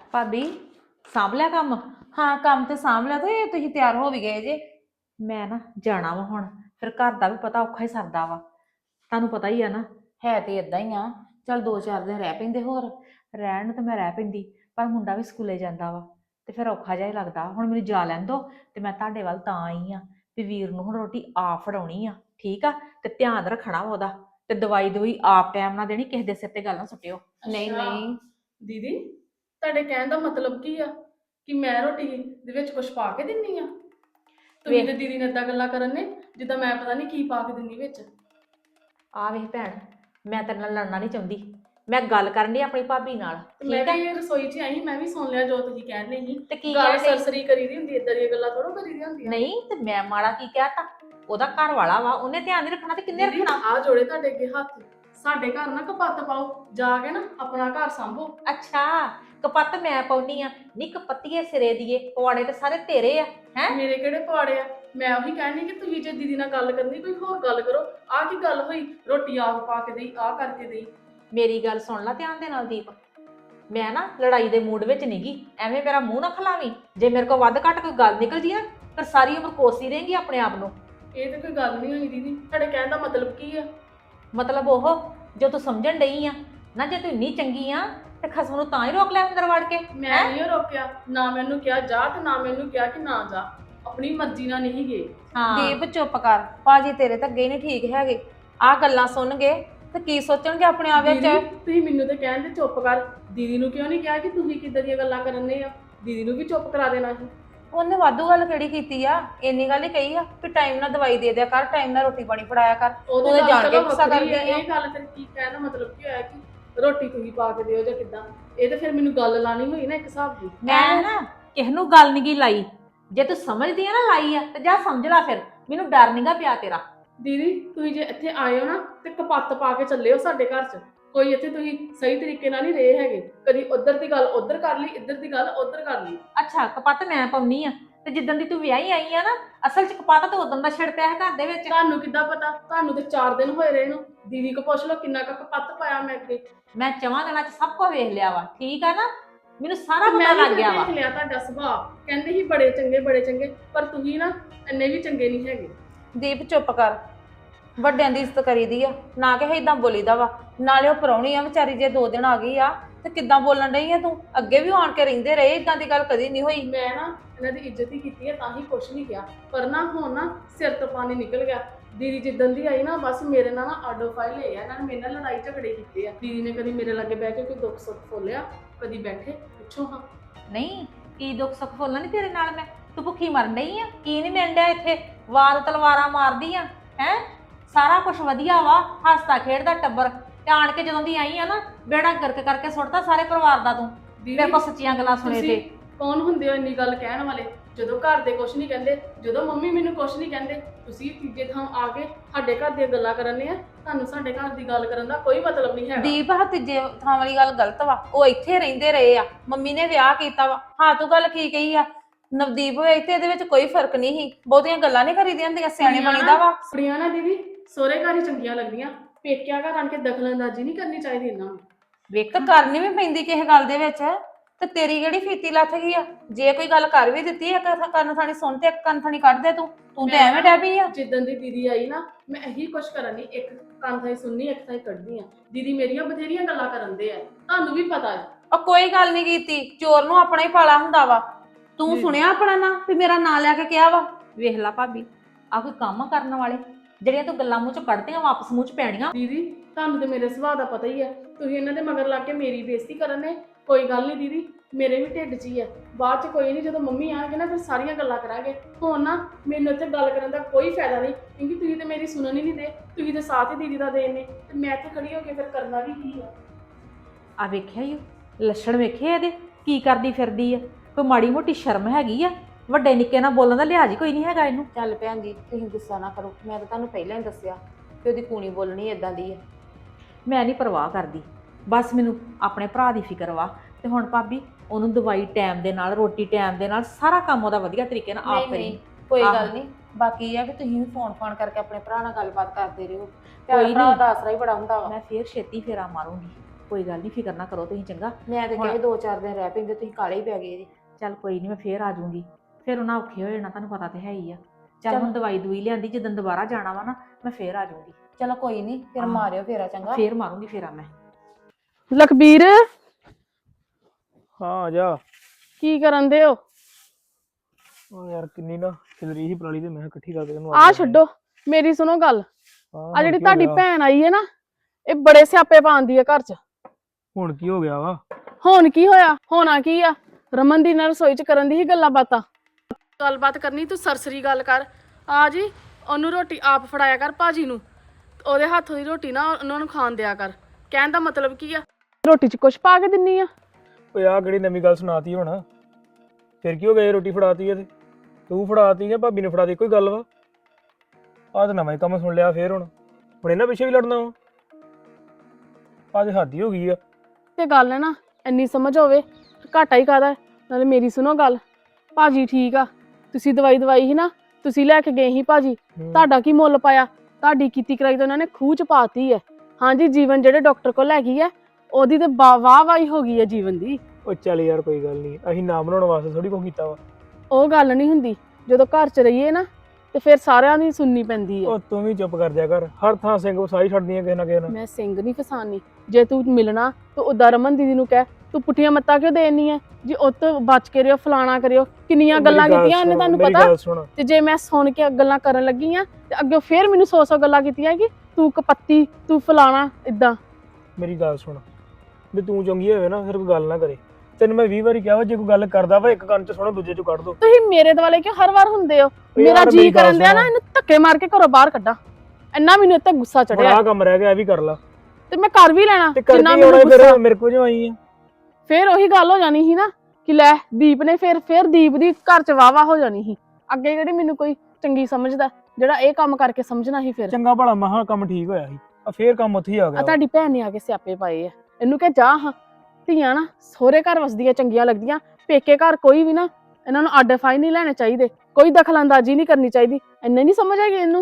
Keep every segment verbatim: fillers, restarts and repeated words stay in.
ਭਾਬੀ ਸਾਂਭ ਲਿਆ ਕੰਮ? ਹਾਂ ਕੰਮ ਤੇ ਸਾਂਭ ਲਿਆ ਤੇ ਤੁਸੀਂ ਤਿਆਰ ਹੋ ਵੀ ਗਏ ਜੇ। ਮੈਂ ਨਾ ਜਾਣਾ ਵਾ ਹੁਣ। ਫਿਰ ਘਰ ਦਾ ਵੀ ਪਤਾ ਔਖਾ ਹੀ ਸਰਦਾ ਵਾ, ਤੁਹਾਨੂੰ ਪਤਾ ਹੀ ਆ ਨਾ। ਹੈ ਤੇ ਇਦਾਂ ਹੀ ਆ। ਚੱਲ ਦੋ ਚਾਰ ਦਿਨ ਰਹਿ ਪੈਂਦੇ ਹੋਰ। ਰਹਿਣ ਨੂੰ ਤਾਂ ਮੈਂ ਰਹਿ ਪੈਂਦੀ, ਪਰ ਮੁੰਡਾ ਵੀ ਸਕੂਲੇ ਜਾਂਦਾ ਵਾ ਤੇ ਫਿਰ ਔਖਾ ਜਿਹਾ ਹੀ ਲੱਗਦਾ। ਹੁਣ ਮੈਨੂੰ ਜਾ ਲੈਣ ਦੋ ਤੇ ਮੈਂ ਤੁਹਾਡੇ ਵੱਲ ਤਾਂ ਆਈ ਆ ਵੀ ਵੀਰ ਨੂੰ ਹੁਣ ਰੋਟੀ ਆਪ ਫੜਾਉਣੀ ਆ, ਠੀਕ ਆ? ਤੇ ਧਿਆਨ ਰੱਖਣਾ ਵਾ ਉਹਦਾ, ਤੇ ਦਵਾਈ ਦਵਾਈ ਆਪ ਟਾਈਮ ਨਾਲ ਦੇਣੀ, ਕਿਸੇ ਦੇ ਸਿਰ ਤੇ ਗੱਲ ਨਾ ਸੁੱਟਿਓ। ਨਹੀਂ ਅੱਛਾ ਨਹੀਂ। ਦੀਦੀ, ਤੁਹਾਡੇ ਕਹਿਣ ਦਾ ਮਤਲਬ ਕੀ ਆ ਕਿ ਮੈਂ ਰੋਟੀ ਦੇ ਵਿੱਚ ਕੁਝ ਪਾ ਕੇ ਦਿੰਨੀ ਆ? ਤੁਸੀਂ ਤੇ ਵੇਖ ਦੀਦੀ ਨੇ ਏਦਾਂ ਗੱਲਾਂ ਕਰਨ ਨੇ ਜਿੱਦਾਂ ਮੈਂ ਪਤਾ ਨਹੀਂ ਕੀ ਪਾ ਕੇ ਦਿੰਨੀ ਵਿੱਚ। ਆ ਵੇਖ ਭੈਣ, ਮੈਂ ਤੇਰੇ ਨਾਲ ਲੜਨਾ ਨਹੀਂ ਚਾਹੁੰਦੀ, ਮੈਂ ਗੱਲ ਕਰਨ ਡਈ ਆਪਣੀ ਭਾਬੀ ਨਾਲ, ਤੇ ਮੈਂ ਠੀਕ ਆ? ਵੀ ਰਸੋਈ 'ਚ ਆਈ, ਮੈਂ ਵੀ ਸੁਣ ਲਿਆ ਜੋ ਤੁਸੀਂ ਕਹਿੰਦੇ ਸੀ। ਤੇ ਕੀ ਗੱਲ ਕਹਿਣ ਡਈ? ਸਰਸਰੀ ਕਰੀ ਦੀ ਹੁੰਦੀ, ਏਦਾਂ ਦੀਆਂ ਗੱਲਾਂ ਥੋੜੋ ਕਰੀ ਦੀਆਂ ਹੁੰਦੀਆਂ। ਨਹੀਂ ਤੇ ਮੈਂ ਮਾੜਾ ਕੀ ਕਹਿਤਾ? ਉਹਦਾ ਘਰ ਵਾਲਾ ਵਾ, ਉਹਨੇ ਧਿਆਨ ਨਹੀਂ ਰੱਖਣਾ ਤੇ ਕਿੰਨੇ ਦੀਦੀ ਰੱਖਣਾ? ਆ ਜੋੜੇ ਤੁਹਾਡੇ ਅੱਗੇ ਹੱਥ, ਸਾਡੇ ਘਰ ਨਾ ਕਪੱਤ ਪਾਓ, ਜਾ ਕੇ ਨਾ ਆਪਣਾ ਘਰ ਸੰਭੋ। ਅੱਛਾ, ਕਪੱਤ ਮੈਂ ਪਾਉਣੀ ਆ? ਨੀ ਕਪੱਤੀਏ ਸਿਰੇ ਦੀਏ, ਪਵਾੜੇ ਤੇ ਸਾਰੇ ਤੇਰੇ ਆ। ਹੈ ਮੇਰੇ ਕਿਹੜੇ ਪਵਾੜੇ ਆ? ਮੈਂ ਉਹੀ ਕਹਿਣੀ ਕਿ ਤੁਸੀਂ ਜੇ ਦੀਦੀ ਨਾਲ ਗੱਲ ਕਰਨੀ ਕੋਈ ਹੋਰ ਗੱਲ ਕਰੋ। ਆਹ ਕੀ ਗੱਲ ਹੋਈ, ਰੋਟੀ ਆਪ ਪਾ ਕੇ ਦੇਈ, ਆਹ ਕਰਕੇ ਦੇਈ। ਮੇਰੀ ਗੱਲ ਸੁਣ ਲੈ ਧਿਆਨ ਦੇ ਨਾਲ ਦੀਪ, ਮੈਂ ਨਾ ਲੜਾਈ ਦੇ ਮੂਡ ਵਿੱਚ ਨੀ ਗੀ, ਐਵੇਂ ਮੇਰਾ ਮੂੰਹ ਨਾ ਖਲਾਵੀਂ। ਜੇ ਮੇਰੇ ਕੋਲ ਵੱਧ ਘੱਟ ਕੋਈ ਗੱਲ ਨਿਕਲਦੀ ਆ ਫਿਰ ਸਾਰੀ ਉਮਰ ਕੋਸੀ ਰਹੇਂਗੀ ਆਪਣੇ ਆਪ ਨੂੰ। ਇਹ ਤਾਂ ਕੋਈ ਗੱਲ ਨਹੀਂ ਹੋਈ ਦੀਦੀ, ਤੁਹਾਡੇ ਕਹਿਣ ਦਾ ਮਤਲਬ ਕੀ ਆ? ਮਤਲਬ ਉਹ ਜੋ ਤੂੰ ਸਮਝਣ ਡਈ ਆ ਨਾ, ਜੇ ਤੂੰ ਇੰਨੀ ਚੰਗੀ ਆ ਤੇ ਖਸਮ ਨੂੰ ਤਾਂ ਹੀ ਰੋਕ ਲਿਆ ਅੰਦਰ ਵੜ ਕੇ। ਮੈਂ ਨਹੀਂ ਰੋਕਿਆ, ਨਾ ਮੈਨੂੰ ਕਿਹਾ ਜਾ ਤੇ ਨਾ ਮੈਨੂੰ ਕਿਹਾ ਕਿ ਨਾ ਜਾ, ਆਪਣੀ ਮਰਜ਼ੀ ਨਾਲ ਨਹੀਂ ਗਏ। ਹਾਂ ਦੀਪ ਚੁੱਪ ਕਰ, ਭਾਜੀ ਤੇਰੇ ਤਾਂ ਅੱਗੇ ਨਹੀਂ ਠੀਕ ਹੈਗੇ। ਆਹ ਗੱਲਾਂ ਸੁਣਨਗੇ ਤੇ ਕੀ ਸੋਚਣਗੇ ਆਪਣੇ ਆਪ ਵਿੱਚ। ਦੀਦੀ ਤੁਸੀਂ ਮੈਨੂੰ ਤਾਂ ਕਹਿੰਦੇ ਚੁੱਪ ਕਰ, ਦੀਦੀ ਨੂੰ ਕਿਉਂ ਨਹੀਂ ਕਿਹਾ ਕਿ ਤੁਸੀਂ ਕਿੱਦਾਂ ਦੀਆਂ ਗੱਲਾਂ ਕਰਨੇ ਆ? ਦੀਦੀ ਨੂੰ ਵੀ ਚੁੱਪ ਕਰਾ ਦੇਣਾ ਸੀ। ਉਹਨੇ ਵਾਧੂ ਗੱਲ ਕਿਹੜੀ ਕੀਤੀ ਆ? ਇੰਨੀ ਗੱਲ ਹੀ ਕਹੀ ਆ ਕਿ ਟਾਈਮ ਨਾਲ ਦਵਾਈ ਦੇ ਦਿਆ ਕਰ, ਟਾਈਮ ਨਾਲ ਰੋਟੀ ਪਾਣੀ ਫੜਾਇਆ ਕਰ। ਉਹਦੇ ਉਹਦੇ ਗੱਲ ਜਾਣ ਕੇ ਚਲੋ ਗੁੱਸਾ ਵੱਖਰੀ ਕਰ ਆ, ਗਈ ਆ। ਇਹ ਗੱਲ ਫਿਰ ਕੀ ਕਹਿਣ ਦਾ ਮਤਲਬ ਕੀ ਹੋਇਆ ਕਿ ਰੋਟੀ ਤੁਸੀਂ ਪਾ ਕੇ ਦਿਓ ਜਾਂ ਕਿੱਦਾਂ? ਇਹ ਤਾਂ ਫਿਰ ਮੈਨੂੰ ਗੱਲ ਲਾਣੀ ਹੋਈ ਨਾ ਇੱਕ ਹਿਸਾਬ ਦੀ। ਮੈਂ ਨਾ ਕਿਸੇ ਨੂੰ ਗੱਲ ਨੀ ਗੀ ਲਾਈ, ਜੇ ਤੂੰ ਸਮਝਦੀ ਆ ਨਾ ਲਾਈ ਆ ਤੇ ਜਾ ਸਮਝ ਲੈ, ਫਿਰ ਮੈਨੂੰ ਡਰ ਨੀਗਾ ਪਿਆ ਤੇਰਾ। ਦੀਦੀ ਤੁਸੀਂ ਜੇ ਇੱਥੇ ਆਏ ਹੋ ਨਾ ਤੇ ਕਪੱਤ ਪਾ ਕੇ ਚੱਲੇ ਹੋ ਸਾਡੇ ਘਰ 'ਚ। ਕੋਈ ਇੱਥੇ ਤੁਸੀਂ ਸਹੀ ਤਰੀਕੇ ਨਾਲ ਨਹੀਂ ਰਹੇ ਹੈਗੇ, ਕਦੀ ਉੱਧਰ ਦੀ ਗੱਲ ਉੱਧਰ ਕਰ ਲਈ, ਇੱਧਰ ਦੀ ਗੱਲ ਉੱਧਰ ਕਰ ਲਈ। ਅੱਛਾ, ਕਪੱਤ ਮੈਂ ਪਾਉਣੀ ਆ? ਤੇ ਜਿੱਦਣ ਦੀ ਤੂੰ ਵਿਆਹੀ ਆਈ ਆ ਨਾ, ਅਸਲ ਚ ਕਪੱਤ ਤਾਂ ਉਦੋਂ ਦਾ ਛਿੜ ਪਿਆ ਹੈ ਘਰ ਦੇ ਵਿੱਚ। ਤੁਹਾਨੂੰ ਕਿੱਦਾਂ ਪਤਾ? ਤੁਹਾਨੂੰ ਤੇ ਚਾਰ ਦਿਨ ਹੋਏ ਰਹੇ ਨੂੰ। ਦੀਦੀ ਕੋ ਪੁੱਛ ਲਓ ਕਿੰਨਾ ਕੁ ਕਪੱਤ ਪਾਇਆ ਮੈਂ ਅੱਗੇ। ਮੈਂ ਚਵਾਂ ਦਿਨਾਂ ਚ ਸਭ ਕੁਝ ਵੇਖ ਲਿਆ ਵਾ, ਠੀਕ ਆ ਨਾ? ਮੈਨੂੰ ਸਾਰਾ ਤੇ ਪਤਾ ਮੈਂ ਵੀ ਲੱਗ ਫਿਰ ਗਿਆ ਵਾ। ਦੇਖ ਲਿਆ ਤੁਹਾਡਾ ਸੁਭਾਅ, ਕਹਿੰਦੇ ਸੀ ਬੜੇ ਚੰਗੇ ਬੜੇ ਚੰਗੇ, ਪਰ ਤੁਸੀਂ ਨਾ ਇੰਨੇ ਵੀ ਚੰਗੇ ਨਹੀਂ ਹੈਗੇ। ਦੀਪ ਚੁੱਪ ਕਰ, ਵੱਡਿਆਂ ਦੀ ਇੱਜ਼ਤ ਕਰੀਦੀ ਆ, ਨਾ ਕਿ ਇਦਾਂ ਬੋਲੀਦਾ ਵਾ। ਨਾਲੇ ਉਹ ਪ੍ਰਾਹੁਣੀ ਆ ਵਿਚਾਰੀ, ਜੇ ਦੋ ਦਿਨ ਆ ਗਈ ਆ ਤੇ ਕਿੱਦਾਂ ਬੋਲਣ ਡਈ ਆ ਤੂੰ? ਅੱਗੇ ਵੀ ਆਣ ਕੇ ਰਹਿੰਦੇ ਰਹੇ, ਇਦਾਂ ਦੀ ਗੱਲ ਕਦੀ ਨਹੀਂ ਹੋਈ। ਮੈਂ ਨਾ ਇਹਨਾਂ ਦੀ ਇੱਜ਼ਤ ਹੀ ਕੀਤੀ ਹੈ ਤਾਂ ਹੀ ਕੁਛ ਨਹੀਂ ਕਿਹਾ, ਪਰ ਨਾ ਹੁਣ ਨਾ ਸਿਰ ਤੋਂ ਪਾਣੀ ਨਿਕਲ ਗਿਆ। ਦੀਦੀ ਜਿੱਦਣ ਦੀ ਆਈ ਨਾ ਬਸ ਮੇਰੇ ਨਾਲ ਨਾ ਆਡੋ ਫਾਈਲ ਲਏ ਆ ਇਹਨਾਂ ਨੇ, ਮੇਰੇ ਨਾਲ ਲੜਾਈ ਝਗੜੇ ਕੀਤੇ ਆ। ਦੀਦੀ ਨੇ ਕਦੀ ਮੇਰੇ ਲਾਗੇ ਬਹਿ ਕੇ ਕੋਈ ਦੁੱਖ ਸੁੱਖ ਫੋਲਿਆ, ਕਦੀ ਬੈਠੇ ਪੁੱਛੋ ਹਾਂ। ਨਹੀਂ, ਕੀ ਦੁੱਖ ਸੁੱਖ ਫੋਲਣਾ ਨਹੀਂ ਤੇਰੇ ਨਾਲ ਮੈਂ? ਤੂੰ ਭੁੱਖੀ ਮਰਨ ਡਈ ਆ? ਕੀ ਨਹੀਂ ਮਿਲ ਡਿਆ ਇੱਥੇ? ਵਾਰ ਤਲਵਾਰਾਂ ਮਾਰਦੀ ਆ ਹੈ? ਸਾਰਾ ਕੁਝ ਵਧੀਆ ਵਾ, ਹੱਸਦਾ ਖੇਡਦਾ ਟੱਬਰ, ਤੇ ਆਣ ਕੇ ਜਦੋਂ ਦੀ ਆਈ ਆ ਨਾ ਬੇੜਾ ਗਰਕ ਕਰਕੇ ਸੁੱਟਦਾ ਸਾਰੇ ਪਰਿਵਾਰ ਦਾ ਤੂੰ। ਮੇਰੇ ਕੋਲ ਸੱਚੀਆਂ ਗੱਲਾਂ ਸੁਣੇ ਤੁਸੀਂ ਤੇ। ਕੌਣ ਹੁੰਦੇ ਹੋ ਇੰਨੀ ਗੱਲ ਕਹਿਣ ਵਾਲੇ? ਜਦੋਂ ਘਰ ਦੇ ਕੁਛ ਨਹੀਂ ਕਹਿੰਦੇ, ਜਦੋਂ ਮੰਮੀ ਮੈਨੂੰ ਕੁਛ ਨਹੀਂ ਕਹਿੰਦੇ, ਤੁਸੀਂ ਤੀਜੇ ਥਾਂ ਆ ਕੇ ਸਾਡੇ ਘਰ ਦੀਆਂ ਗੱਲਾਂ ਕਰਨੇ ਆ। ਤੁਹਾਨੂੰ ਸਾਡੇ ਘਰ ਦੀ ਗੱਲ ਕਰਨ ਦਾ ਕੋਈ ਮਤਲਬ ਨਹੀਂ ਹੈਗਾ। ਦੀਪ ਹਾਂ ਤੀਜੇ ਥਾਂ ਵਾਲੀ ਗੱਲ ਗਲਤ ਵਾ, ਉਹ ਇੱਥੇ ਰਹਿੰਦੇ ਰਹੇ ਆ, ਮੰਮੀ ਨੇ ਵਿਆਹ ਕੀਤਾ ਵਾ। ਹਾਂ ਤੂੰ ਗੱਲ ਕੀ ਕਹੀ ਆ? ਨਵਦੀਪ ਹੋਏ ਇੱਥੇ, ਇਹਦੇ ਵਿੱਚ ਕੋਈ ਫਰਕ ਨਹੀਂ ਸੀ। ਬਹੁਤੀਆਂ ਗੱਲਾਂ ਨਹੀਂ ਕਰੀਦੀਆਂ ਹੁੰਦੀਆਂ, ਸਿਆਣੇ ਕੁੜੀਆਂ ਬਣੀਦਾ ਨਾ ਵਾ। ਕੁੜੀਆਂ ਨਾ ਦੀਦੀ ਸਹੁਰੇ ਘਰ ਹੀ ਚੰਗੀਆਂ ਲੱਗਦੀਆਂ, ਪੇਕਿਆਂ ਘਰ ਆਣ ਕੇ ਦਖਲਅੰਦਾਜ਼ੀ ਨਹੀਂ ਕਰਨੀ ਚਾਹੀਦੀ ਇਹਨਾਂ ਨੂੰ। ਵੇਖ ਤਾਂ ਕਰਨੀ ਵੀ ਪੈਂਦੀ ਕਿਸੇ ਗੱਲ ਦੇ ਵਿੱਚ। ਤੇ ਤੇਰੀ ਕਿਹੜੀ ਫੀਤੀ ਲੱਥ ਗਈ ਆ? ਜੇ ਕੋਈ ਗੱਲ ਕਰ ਵੀ ਦਿੱਤੀ, ਇੱਕ ਕੰਨ ਥਾਣੀ ਸੁਣ ਤੇ ਇੱਕ ਕੰਨ ਥਾਣੀ ਕੱਢ ਦੇ। ਤੂੰ ਤੂੰ ਤੇ ਐਵੇਂ ਡੈ ਪਈ ਆ। ਜਿੱਦਣ ਦੀ ਦੀਦੀ ਆਈ ਨਾ ਮੈਂ ਇਹੀ ਕੁਛ ਕਰਨ ਦੀ, ਇੱਕ ਕੰਨ ਥਾਈ ਸੁਣਨੀ ਇੱਕ ਥਾਈ ਕੱਢਦੀ ਆ। ਦੀਦੀ ਮੇਰੀਆਂ ਬਥੇਰੀਆਂ ਗੱਲਾਂ ਕਰਨ ਦੇ ਆ, ਤੁਹਾਨੂੰ ਵੀ ਪਤਾ ਹੈ। ਉਹ ਕੋਈ ਗੱਲ ਨਹੀਂ ਕੀਤੀ, ਚੋਰ ਨੂੰ ਆਪਣਾ ਹੀ ਪਾਲਾ ਹੁੰਦਾ ਵਾ। ਤੂੰ ਜੀ। ਸੁਣਿਆ ਆਪਣਾ ਨਾਂ ਵੀ ਮੇਰਾ ਨਾਂ ਲੈ ਕੇ ਕਿਹਾ ਵਾ? ਵੇਖ ਲਾ ਭਾਬੀ, ਆ ਕੋਈ ਕੰਮ ਆ ਕਰਨ ਵਾਲੇ? ਜਿਹੜੀਆਂ ਤੂੰ ਗੱਲਾਂ ਮੂੰਹ ਚੋਂ ਕੱਢਦੀਆਂ ਵਾਪਸ ਮੂੰਹ ਚ ਪੈਣੀਆਂ। ਦੀਦੀ ਤੁਹਾਨੂੰ ਤੇ ਮੇਰੇ ਸੁਭਾਅ ਦਾ ਪਤਾ ਹੀ ਹੈ, ਤੁਸੀਂ ਇਹਨਾਂ ਦੇ ਮਗਰ ਲੱਗ ਕੇ ਮੇਰੀ ਬੇਇੱਜ਼ਤੀ ਕਰਨ ਨੇ। ਕੋਈ ਗੱਲ ਨਹੀਂ ਦੀਦੀ, ਮੇਰੇ ਵੀ ਢਿੱਡ 'ਚ ਹੀ ਹੈ, ਬਾਅਦ 'ਚ ਕੋਈ ਨਹੀਂ, ਜਦੋਂ ਮੰਮੀ ਆਣਗੇ ਨਾ ਫਿਰ ਸਾਰੀਆਂ ਗੱਲਾਂ ਕਰਾਂਗੇ। ਹੁਣ ਨਾ ਮੈਨੂੰ ਇੱਥੇ ਗੱਲ ਕਰਨ ਦਾ ਕੋਈ ਫਾਇਦਾ ਨਹੀਂ, ਕਿਉਂਕਿ ਤੁਸੀਂ ਤੇ ਮੇਰੀ ਸੁਣਨ ਹੀ ਨਹੀਂ ਦੇ, ਤੁਸੀਂ ਤੇ ਸਾਥ ਹੀ ਦੀਦੀ ਦਾ ਦੇਣੇ, ਤੇ ਮੈਂ ਇੱਥੇ ਖੜੀ ਹੋ ਕੇ ਫਿਰ ਕਰਨਾ ਵੀ ਕੀ ਆ? ਆ ਵੇਖਿਆ ਹੀ ਲੱਛਣ ਵੇਖੇ ਇਹਦੇ, ਕੀ ਕਰਦੀ ਫਿਰਦੀ ਆ? ਕੋਈ ਮਾੜੀ ਮੋਟੀ ਸ਼ਰਮ ਹੈਗੀ ਆ? ਵੱਡੇ ਨਿੱਕੇ ਨਾਲ ਬੋਲਣ ਦਾ ਲਿਹਾਜ਼ ਹੀ ਕੋਈ ਨਹੀਂ ਹੈਗਾ ਇਹਨੂੰ। ਚੱਲ ਭੈਣ ਜੀ ਤੁਸੀਂ ਗੁੱਸਾ ਨਾ ਕਰੋ, ਮੈਂ ਤਾਂ ਤੁਹਾਨੂੰ ਪਹਿਲਾਂ ਹੀ ਦੱਸਿਆ ਕਿ ਉਹਦੀ ਕੂਣੀ ਬੋਲਣੀ ਇਦਾਂ ਦੀ ਹੈ। ਮੈਂ ਨਹੀਂ ਪਰਵਾਹ ਕਰਦੀ, ਬਸ ਮੈਨੂੰ ਆਪਣੇ ਭਰਾ ਦੀ ਫਿਕਰ ਵਾ। ਤੇ ਹੁਣ ਭਾਬੀ ਉਹਨੂੰ ਦਵਾਈ ਟਾਈਮ ਦੇ ਨਾਲ, ਰੋਟੀ ਟਾਈਮ ਦੇ ਨਾਲ, ਸਾਰਾ ਕੰਮ ਉਹਦਾ ਵਧੀਆ ਤਰੀਕੇ ਨਾਲ ਆਪ ਕਰੀ। ਕੋਈ ਆਹੋ। ਗੱਲ ਨਹੀਂ, ਬਾਕੀ ਇਹ ਆ ਕਿ ਤੁਸੀਂ ਵੀ ਫੋਨ ਫੋਨ ਕਰਕੇ ਆਪਣੇ ਭਰਾ ਨਾਲ ਗੱਲਬਾਤ ਕਰਦੇ ਰਹੋ। ਕੋਈ ਕੋਈ ਭਰਾ ਨਹੀਂ। ਦਾ ਆਸਰਾ ਹੀ ਬੜਾ ਹੁੰਦਾ ਵਾ। ਮੈਂ ਫੇਰ ਛੇਤੀ ਫੇਰਾ ਮਾਰੂੰਗੀ, ਕੋਈ ਗੱਲ ਨਹੀਂ, ਫਿਕਰ ਨਾ ਕਰੋ ਤੁਸੀਂ, ਚੰਗਾ। ਮੈਂ ਤੇ ਹੁਣ- ਕਹੇ ਦੋ ਚਾਰ ਦਿਨ ਰਹਿ ਪੈਂਦੇ, ਤੁਸੀਂ ਕਾਲੇ ਹੀ ਪੈ ਗਏ ਜੀ। ਚੱਲ ਕੋਈ ਨਹੀਂ, ਮੈਂ ਫੇਰ ਆ ਜਾਊਂਗੀ। ਫਿਰ ਉਹਨਾਂ ਔਖੇ ਹੋ ਜਾਣਾ, ਤੁਹਾਨੂੰ ਪਤਾ ਤੇ ਹੈ ਹੀ ਆ। ਚੱਲ ਚੱਲ। ਹੁਣ ਦਵਾਈ ਦੂਈ ਲਿਆਂਦੀ, ਜਦੋਂ ਦੁਬਾਰਾ ਜਾਣਾ ਵਾ ਨਾ ਮੈਂ ਫੇਰ ਆ ਜਾਊਂਗੀ। ਚਲੋ ਕੋਈ ਨਹੀਂ, ਫਿਰ ਆਹੋ। ਮਾਰਿਓ ਫੇਰਾ ਚੰਗਾ। ਫੇਰ ਮਾਰੂੰਗੀ ਫੇਰਾ ਮੈਂ। ਲਖਬੀਰ ਹਾਂ ਆ ਜਾ। ਕੀ ਕਰਨ ਦੇ ਹੋ? ਉਹ ਯਾਰ ਕਿੰਨੀ ਨਾ ਖਿਲਰੀ ਸੀ ਪਰਾਲੀ, ਤੇ ਮੈਂ ਕਿਹਾ ਇਕੱਠੀ ਕਰਕੇ ਤੈਨੂੰ ਆ ਛੱਡੋ, ਮੇਰੀ ਸੁਣੋ ਗੱਲ। ਹਾਂ, ਆ ਹੁਣ ਜਿਹੜੀ ਕੀ ਹੋ ਤੁਹਾਡੀ ਗਿਆ? ਭੈਣ ਆਈ ਹੈ ਨਾ, ਇਹ ਬੜੇ ਸਿਆਪੇ ਪਾਉਂਦੀ ਹੈ ਘਰ 'ਚ। ਹੁਣ ਕੀ ਹੋ ਗਿਆ ਵਾ? ਹੁਣ ਕੀ ਹੋਇਆ? ਹੋਣਾ ਕੀ ਆ? ਰਮਨ ਦੀ ਨਾਲ ਰਸੋਈ 'ਚ ਕਰਨ ਦੀ ਹੀ ਗੱਲਾਂ ਬਾਤਾਂ। ਗੱਲਬਾਤ ਕਰਨੀ ਤੂੰ ਸਰਸਰੀ ਗੱਲ ਕਰ। ਆ ਜੀ ਉਹਨੂੰ ਰੋਟੀ ਆਪ ਫੜਾਇਆ ਕਰ ਭਾਜੀ ਨੂੰ, ਉਹਦੇ ਹੱਥੋਂ ਦੀ ਰੋਟੀ ਨਾ ਉਹਨਾਂ ਨੂੰ ਖਾਣ ਦਿਆ ਕਰ। ਕਹਿਣ ਦਾ ਮਤਲਬ ਕੀ ਆ? ਰੋਟੀ 'ਚ ਕੁਛ ਪਾ ਕੇ ਦਿੰਨੀ ਆ? ਓਏ ਆਹ ਕਿਹੜੀ ਨਵੀਂ ਗੱਲ ਸੁਣਾਤੀ ਹੁਣ? ਫਿਰ ਕੀ ਹੋ ਗਿਆ, ਰੋਟੀ ਫੜਾਤੀ ਹੈ ਤੇ ਤੂੰ ਫੜਾਤੀ ਜਾਂ ਭਾਬੀ ਨੇ ਫੜਾਤੀ? ਕੋਈ ਗੱਲ ਵਾ? ਆਹ ਤਾਂ ਨਵਾਂ ਹੀ ਕੰਮ ਸੁਣ ਲਿਆ ਫੇਰ। ਹੁਣ ਹੁਣ ਇਹਨਾਂ ਪਿੱਛੇ ਵੀ ਲੜਨਾ ਵਾ? ਆਹ ਤੇ ਹੱਦ ਹੀ ਹੋ ਗਈ ਆ। ਤੇ ਗੱਲ ਹੈ ਨਾ, ਇੰਨੀ ਸਮਝ ਹੋਵੇ ਘਾਟਾ ਹੀ ਕਾਹਦਾ। ਨਾਲੇ ਮੇਰੀ ਸੁਣੋ ਗੱਲ, ਭਾਜੀ ਠੀਕ ਆ, ਤੁਸੀਂ ਦਵਾਈ ਦਵਾਈ ਸੀ ਨਾ, ਤੁਸੀਂ ਲੈ ਕੇ ਗਏ ਸੀ ਭਾਜੀ, ਹੂੰ। ਤੁਹਾਡਾ ਕੀ ਮੁੱਲ ਪਾਇਆ? ਤੁਹਾਡੀ ਕੀਤੀ ਕਰਾਈ ਤਾਂ ਉਹਨਾਂ ਨੇ ਖੂਹ ਚ ਪਾਤੀ ਹੈ। ਹਾਂਜੀ, ਜੀਵਨ ਜਿਹੜੇ ਡਾਕਟਰ ਕੋਲ ਲੈ ਗਈ ਹੈ, ਉਹਦੀ ਤੇ ਵਾਹ ਵਾਹੀ ਹੋ ਗਈ ਹੈ ਜੀਵਨ ਦੀ। ਉਹ ਚੱਲ ਯਾਰ ਕੋਈ ਗੱਲ ਨਹੀਂ, ਅਸੀਂ ਨਾਮ ਬਣਾਉਣ ਵਾਸਤੇ ਥੋੜੀ ਕੁਛ ਕੀਤਾ ਵਾ। ਉਹ ਗੱਲ ਨਹੀਂ ਹੁੰਦੀ, ਜਦੋਂ ਘਰ ਚ ਰਹੀਏ ਨਾ ਤੇ ਫਿਰ ਸਾਰਿਆਂ ਦੀ ਸੁਣਨੀ ਪੈਂਦੀ ਹੈ। ਉਹ ਤੂੰ ਵੀ ਚੁੱਪ ਕਰ ਜਾ ਕਰ, ਹਰ ਥਾਂ ਸਿੰਘ ਵਸਾਈ ਛੱਡਦੀਆਂ ਕਿਸੇ ਨਾ ਕਿਸੇ ਨਾਲ। ਮੈਂ ਸਿੰਘ ਨਹੀਂ ਫਸਾਨੀ। ਜੇ ਤੂੰ ਮਿਲਣਾ ਤਾਂ ਉਦਾਂ ਰਮਨ ਦੀਦੀ ਨੂੰ ਕਹਿ, ਤੂੰ ਪੁੱਠੀਆਂ ਮੱਤਾਂ ਕਿਉਂ ਦੇਣੀ ਹੈ ਜੀ? ਉਹ ਤੋਂ ਬਚ ਕੇ ਰਿਓ, ਫਲਾਣਾ ਕਰਿਓ, ਕਿੰਨੀਆਂ ਗੱਲਾਂ ਮੇਰੀ ਗੱਲ ਕੀਤੀਆਂ ਉਹਨੇ, ਸੁਣ, ਤੁਹਾਨੂੰ ਮੇਰੀ ਪਤਾ। ਗੱਲ ਸੁਣ। ਤੇ ਜੇ ਮੈਂ ਸੁਣ ਕੇ ਗੱਲਾਂ ਕਰਨ ਲੱਗੀ ਆ ਤੇ ਅੱਗੇ ਫੇਰ ਮੈਨੂੰ ਸੌ ਸੌ ਗੱਲਾਂ ਕੀਤੀਆਂ ਕਿ ਤੂੰ ਕਪੱਤੀ, ਤੂੰ ਫਲਾਣਾ, ਇਦਾਂ। ਮੇਰੀ ਗੱਲ ਸੁਣ, ਜੇ ਤੂੰ ਚੰਗੀ ਹੋਵੇ ਨਾ ਫਿਰ ਕੋਈ ਗੱਲ ਨਾ ਕਰੇ। ਤੈਨੂੰ ਮੈਂ ਵੀਹ ਵਾਰੀ ਕਿਹਾ ਵਾ, ਜੇ ਕੋਈ ਗੱਲ ਕਰਦਾ ਵਾ ਇੱਕ ਕੰਨ ਚ ਸੁਣੋ, ਦੂਜੇ ਚ ਕੱਢ ਦੋ। ਤੁਸੀਂ ਮੇਰੇ ਦੁਆਲੇ ਕਿਉਂ ਹਰ ਵਾਰ ਹੁੰਦੇ ਹੋ? ਓਏ ਮੇਰਾ ਯਾਰ ਜੀ ਮੇਰੀ ਗੱਲ ਕਰਨ ਦਿਆ ਨਾ, ਸੁਣ। ਇਹਨੂੰ ਧੱਕੇ ਮਾਰ ਕੇ ਘਰੋਂ ਬਾਹਰ ਕੱਢਾਂ। ਇੰਨਾ ਮੈਨੂੰ ਇੱਥੇ ਗੁੱਸਾ ਹੁਣ ਚੜਿਆ ਆਹ ਕੰਮ ਰਹਿ ਗਿਆ, ਇਹ ਵੀ ਕਰ ਲਾ। ਤੇ ਮੈਂ ਕਰ ਵੀ ਲੈਣਾ ਤੇ ਜਿੰਨਾ ਕਰਕੇ ਮੈਨੂੰ ਆਉਣਾ ਗੁੱਸਾ। ਫਿਰ ਮੇਰੇ ਕੋਲ ਜੋ ਆਈ ਆ। ਫੇਰ ਉਹੀ ਗੱਲ ਹੋ ਜਾਣੀ ਸੀ ਨਾ ਕਿ ਲੈ ਦੀਪ ਨੇ, ਫਿਰ ਫਿਰ ਦੀਪ ਦੀ ਘਰ ਚ ਵਾਵਾ ਹੋ ਜਾਣੀ ਸੀ। ਅੱਗੇ ਕਿਹੜੀ ਮੈਨੂੰ ਕੋਈ ਚੰਗੀ ਸਮਝਦਾ ਜਿਹੜਾ ਇਹ ਕੰਮ ਕਰਕੇ ਸਮਝਣਾ ਸੀ। ਫਿਰ ਚੰਗਾ ਭਲਾ ਮਹਾ ਕੰਮ ਠੀਕ ਹੋਇਆ ਸੀ, ਆ ਫੇਰ ਕੰਮ ਉੱਥੇ ਹੀ ਆ ਆ ਗਿਆ। ਤੁਹਾਡੀ ਭੈਣ ਨੇ ਆ ਕੇ ਸਿਆਪੇ ਪਾਏ ਆ। ਇਹਨੂੰ ਕਹਿ ਜਾ ਹਾਂ, ਧੀਆਂ ਨਾ ਸਹੁਰੇ ਘਰ ਵਸਦੀਆਂ ਚੰਗੀਆਂ ਲੱਗਦੀਆਂ, ਪੇਕੇ ਘਰ ਕੋਈ ਵੀ ਨਾ ਇਹਨਾਂ ਨੂੰ ਅੱਡ ਫਾਈ ਨਹੀਂ ਲੈਣੇ ਚਾਹੀਦੇ, ਕੋਈ ਦਖਲਅੰਦਾਜ਼ੀ ਨਹੀਂ ਕਰਨੀ ਚਾਹੀਦੀ। ਇੰਨੇ ਨਹੀਂ ਸਮਝ ਆਏਗੀ ਇਹਨੂੰ?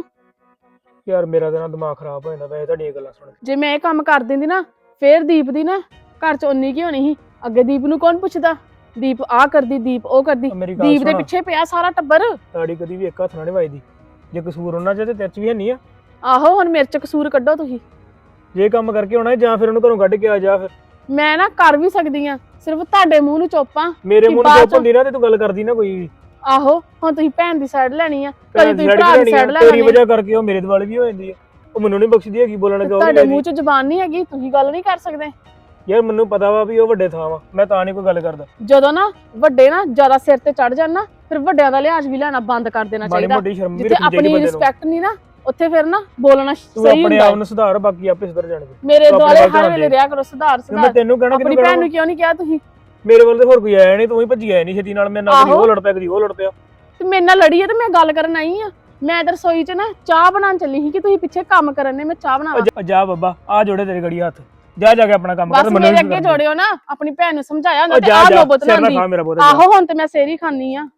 ਯਾਰ ਮੇਰਾ ਤਾਂ ਨਾ ਦਿਮਾਗ ਖਰਾਬ ਹੋ ਜਾਂਦਾ ਵੈਸੇ ਤੁਹਾਡੀਆਂ ਗੱਲਾਂ ਸੁਣ ਕੇ। ਜੇ ਮੈਂ ਇਹ ਕੰਮ ਕਰ ਦਿੰਦੀ ਨਾ, ਫੇਰ ਦੀਪ ਦੀ ਨਾ ਘਰ ਚ ਉਨੀ ਕੀ ਹੋਣੀ ਸੀ। ਅੱਗੇ ਦੀਪ ਨੂੰ ਕੌਣ ਪੁੱਛਦਾ? ਦੀਪ ਆ ਕਰਦੀ, ਦੀਪ ਉਹ ਕਰਦੀ। ਉਹ ਮੇਰੀ ਗੱਲ ਦੀਪ ਦੇ ਸੁਣ, ਪਿੱਛੇ ਪਿਆ ਸਾਰਾ ਟੱਬਰ। ਤਾੜੀ ਕਦੀ ਵੀ ਇੱਕ ਹੱਥ ਨਾਲ ਨਹੀਂ ਵੱਜਦੀ। ਜੇ ਕਸੂਰ ਉਹਨਾਂ ਚ ਤੇ ਤੇਰੇ ਚ ਵੀ ਹੈ ਨਹੀਂ ਆ। ਆਹੋ, ਹੁਣ ਮੇਰੇ ਚ ਕਸੂਰ ਕੱਢੋ ਤੁਸੀਂ। ਜੇ ਕੰਮ ਕਰਕੇ ਆਉਣਾ ਜਾਂ ਫਿਰ ਉਹਨੂੰ ਘਰੋਂ ਕੱਢ ਕੇ ਆ ਜਾ। ਫਿਰ ਮੈਂ ਨਾ ਕਰ ਵੀ ਸਕਦੀ ਆ, ਸਿਰਫ ਤੁਹਾਡੇ ਮੂੰਹ ਨੂੰ ਚੋਪਾਂ। ਮੇਰੇ ਕਿ ਮੂੰਹ ਨੂੰ ਬਾਅਦ ਚੁੱਪ ਹੁੰਦੀ ਨਾ ਤੇ ਤੂੰ ਗੱਲ ਕਰਦੀ ਨਾ ਕੋਈ ਵੀ। ਆਹੋ, ਹੁਣ ਤੁਸੀਂ ਭੈਣ ਦੀ ਸਾਈਡ ਲੈਣੀ ਆ, ਕਦੀ ਭੈਣ ਤੁਸੀਂ ਦੀ ਭਰਾ ਦੀ ਲੈਣੀ ਆ, ਸਾਈਡ ਲੈ ਤੇਰੀ ਲੈਣੀ। ਵਜ੍ਹਾ ਕਰਕੇ ਉਹ ਮੇਰੇ ਦੁਆਲੇ ਵੀ ਹੋ ਜਾਂਦੀ ਆ। ਉਹ ਮੈਨੂੰ ਨਹੀਂ ਬਖਸ਼ਦੀ ਹੈਗੀ, ਬੋਲਣ ਲੱਗਾ ਉਹ ਤੁਹਾਡੇ ਵੀ ਮੂੰਹ ਚ ਜ਼ੁਬਾਨ ਨਹੀਂ ਹੈਗੀ, ਤੁਸੀਂ ਗੱਲ ਨਹੀਂ ਕਰ ਸਕਦੇ। ਯਾਰ ਮੈਨੂੰ ਪਤਾ ਵਾ ਵੀ ਉਹ ਵੱਡੇ ਥਾਂ ਵਾ, ਮੈਂ ਤਾਂ ਨਹੀਂ ਕੋਈ ਗੱਲ ਕਰਦਾ। ਜਦੋਂ ਨਾ ਵੱਡੇ ਨਾ ਜ਼ਿਆਦਾ ਸਿਰ ਤੇ ਚੜ ਜਾਣ ਨਾ, ਫਿਰ ਵੱਡਿਆਂ ਦਾ ਲਿਹਾਜ਼ ਵੀ ਲੈਣਾ ਬੰਦ ਕਰ ਦੇਣਾ ਮਾੜੀ ਚਾਹੀਦਾ। ਮੋਟੀ ਸ਼ਰਮ ਵੀ ਜਿੱਥੇ ਰੱਖਣੀ ਚਾਹੀਦੀ ਆਪਣੀ ਬੰਦੇ ਨੂੰ। ਰਿਸਪੈਕਟ ਨਹੀਂ ਨਾ, ਉੱਥੇ ਫਿਰ ਨਾ ਬੋਲਣਾ ਤੂੰ ਸਹੀ ਆਪਣੇ ਹੁੰਦਾ ਆਪ ਹੈ। ਨੂੰ ਸੁਧਾਰ, ਬਾਕੀ ਆਪੇ ਸੁਧਰ ਜਾਣਗੇ। ਮੇਰੇ ਤੂੰ ਆਪਣੇ ਦੁਆਲੇ ਵੱਲ ਹਰ ਧਿਆਨ ਵੇਲੇ ਦੇ। ਰਿਹਾ ਕਰੋ ਸੁਧਾਰ ਕਿਉਂ ਮੈਂ ਸੁਧਾਰ। ਤੈਨੂੰ ਕਹਿਣਾ ਆਪਣੀ ਕਿਹਨੂੰ ਭੈਣ ਕਹਿਣਾ? ਨੂੰ ਕਿਉਂ ਨਹੀਂ ਕਿਹਾ ਤੁਸੀਂ? ਮੇਰੇ ਵੱਲ ਤੇ ਹੋਰ ਕੋਈ ਆਇਆ ਨਹੀਂ, ਤੂੰ ਹੀ ਭੱਜੀ ਆਇਆ ਨਹੀਂ ਛੇਤੀ ਨਾਲ। ਮੇਰੇ ਨਾਲ ਕਦੀ ਆਹੋ। ਉਹ ਲੜ ਪਿਆ, ਕਦੀ ਉਹ ਲੜ ਪਿਆ। ਤੇ ਮੇਰੇ ਨਾਲ ਲੜੀ ਹੈ ਤੇ ਮੈਂ ਗੱਲ ਕਰਨ ਆਈ ਆ। ਮੈਂ ਤਾਂ ਰਸੋਈ 'ਚ ਨਾ ਚਾਹ ਬਣਾਉਣ ਚੱਲੀ ਸੀ ਕਿ ਤੁਸੀਂ ਪਿੱਛੇ ਕੰਮ ਕਰਨ ਨੇ, ਮੈਂ ਚਾਹ ਬਣਾਵਾਂ। ਜਾ- ਜਾ ਬਾਬਾ, ਆ ਜੋੜੇ ਤੇਰੇ ਗੜੀ ਹੱਥ, ਜਾ ਜਾ ਕੇ ਆਪਣਾ ਕੰਮ ਕਰ। ਬਸ ਮੇਰੇ ਅੱਗੇ ਜੋੜਿਓ ਨਾ, ਆਪਣੀ ਭੈਣ ਨੂੰ ਸਮਝਾਇਆ ਹੁੰਦਾ ਤੇ ਜਾ ਆਹ ਜਾ ਨੋਬਤ ਸਿਰ ਨਾ ਲਾਂਦੀ। ਖਾ ਮੇਰਾ ਬੋਰੇ। ਆਹੋ, ਹੁਣ ਤੇ ਮੈਂ ਸੇਰੀ ਖਾਨੀ ਆ।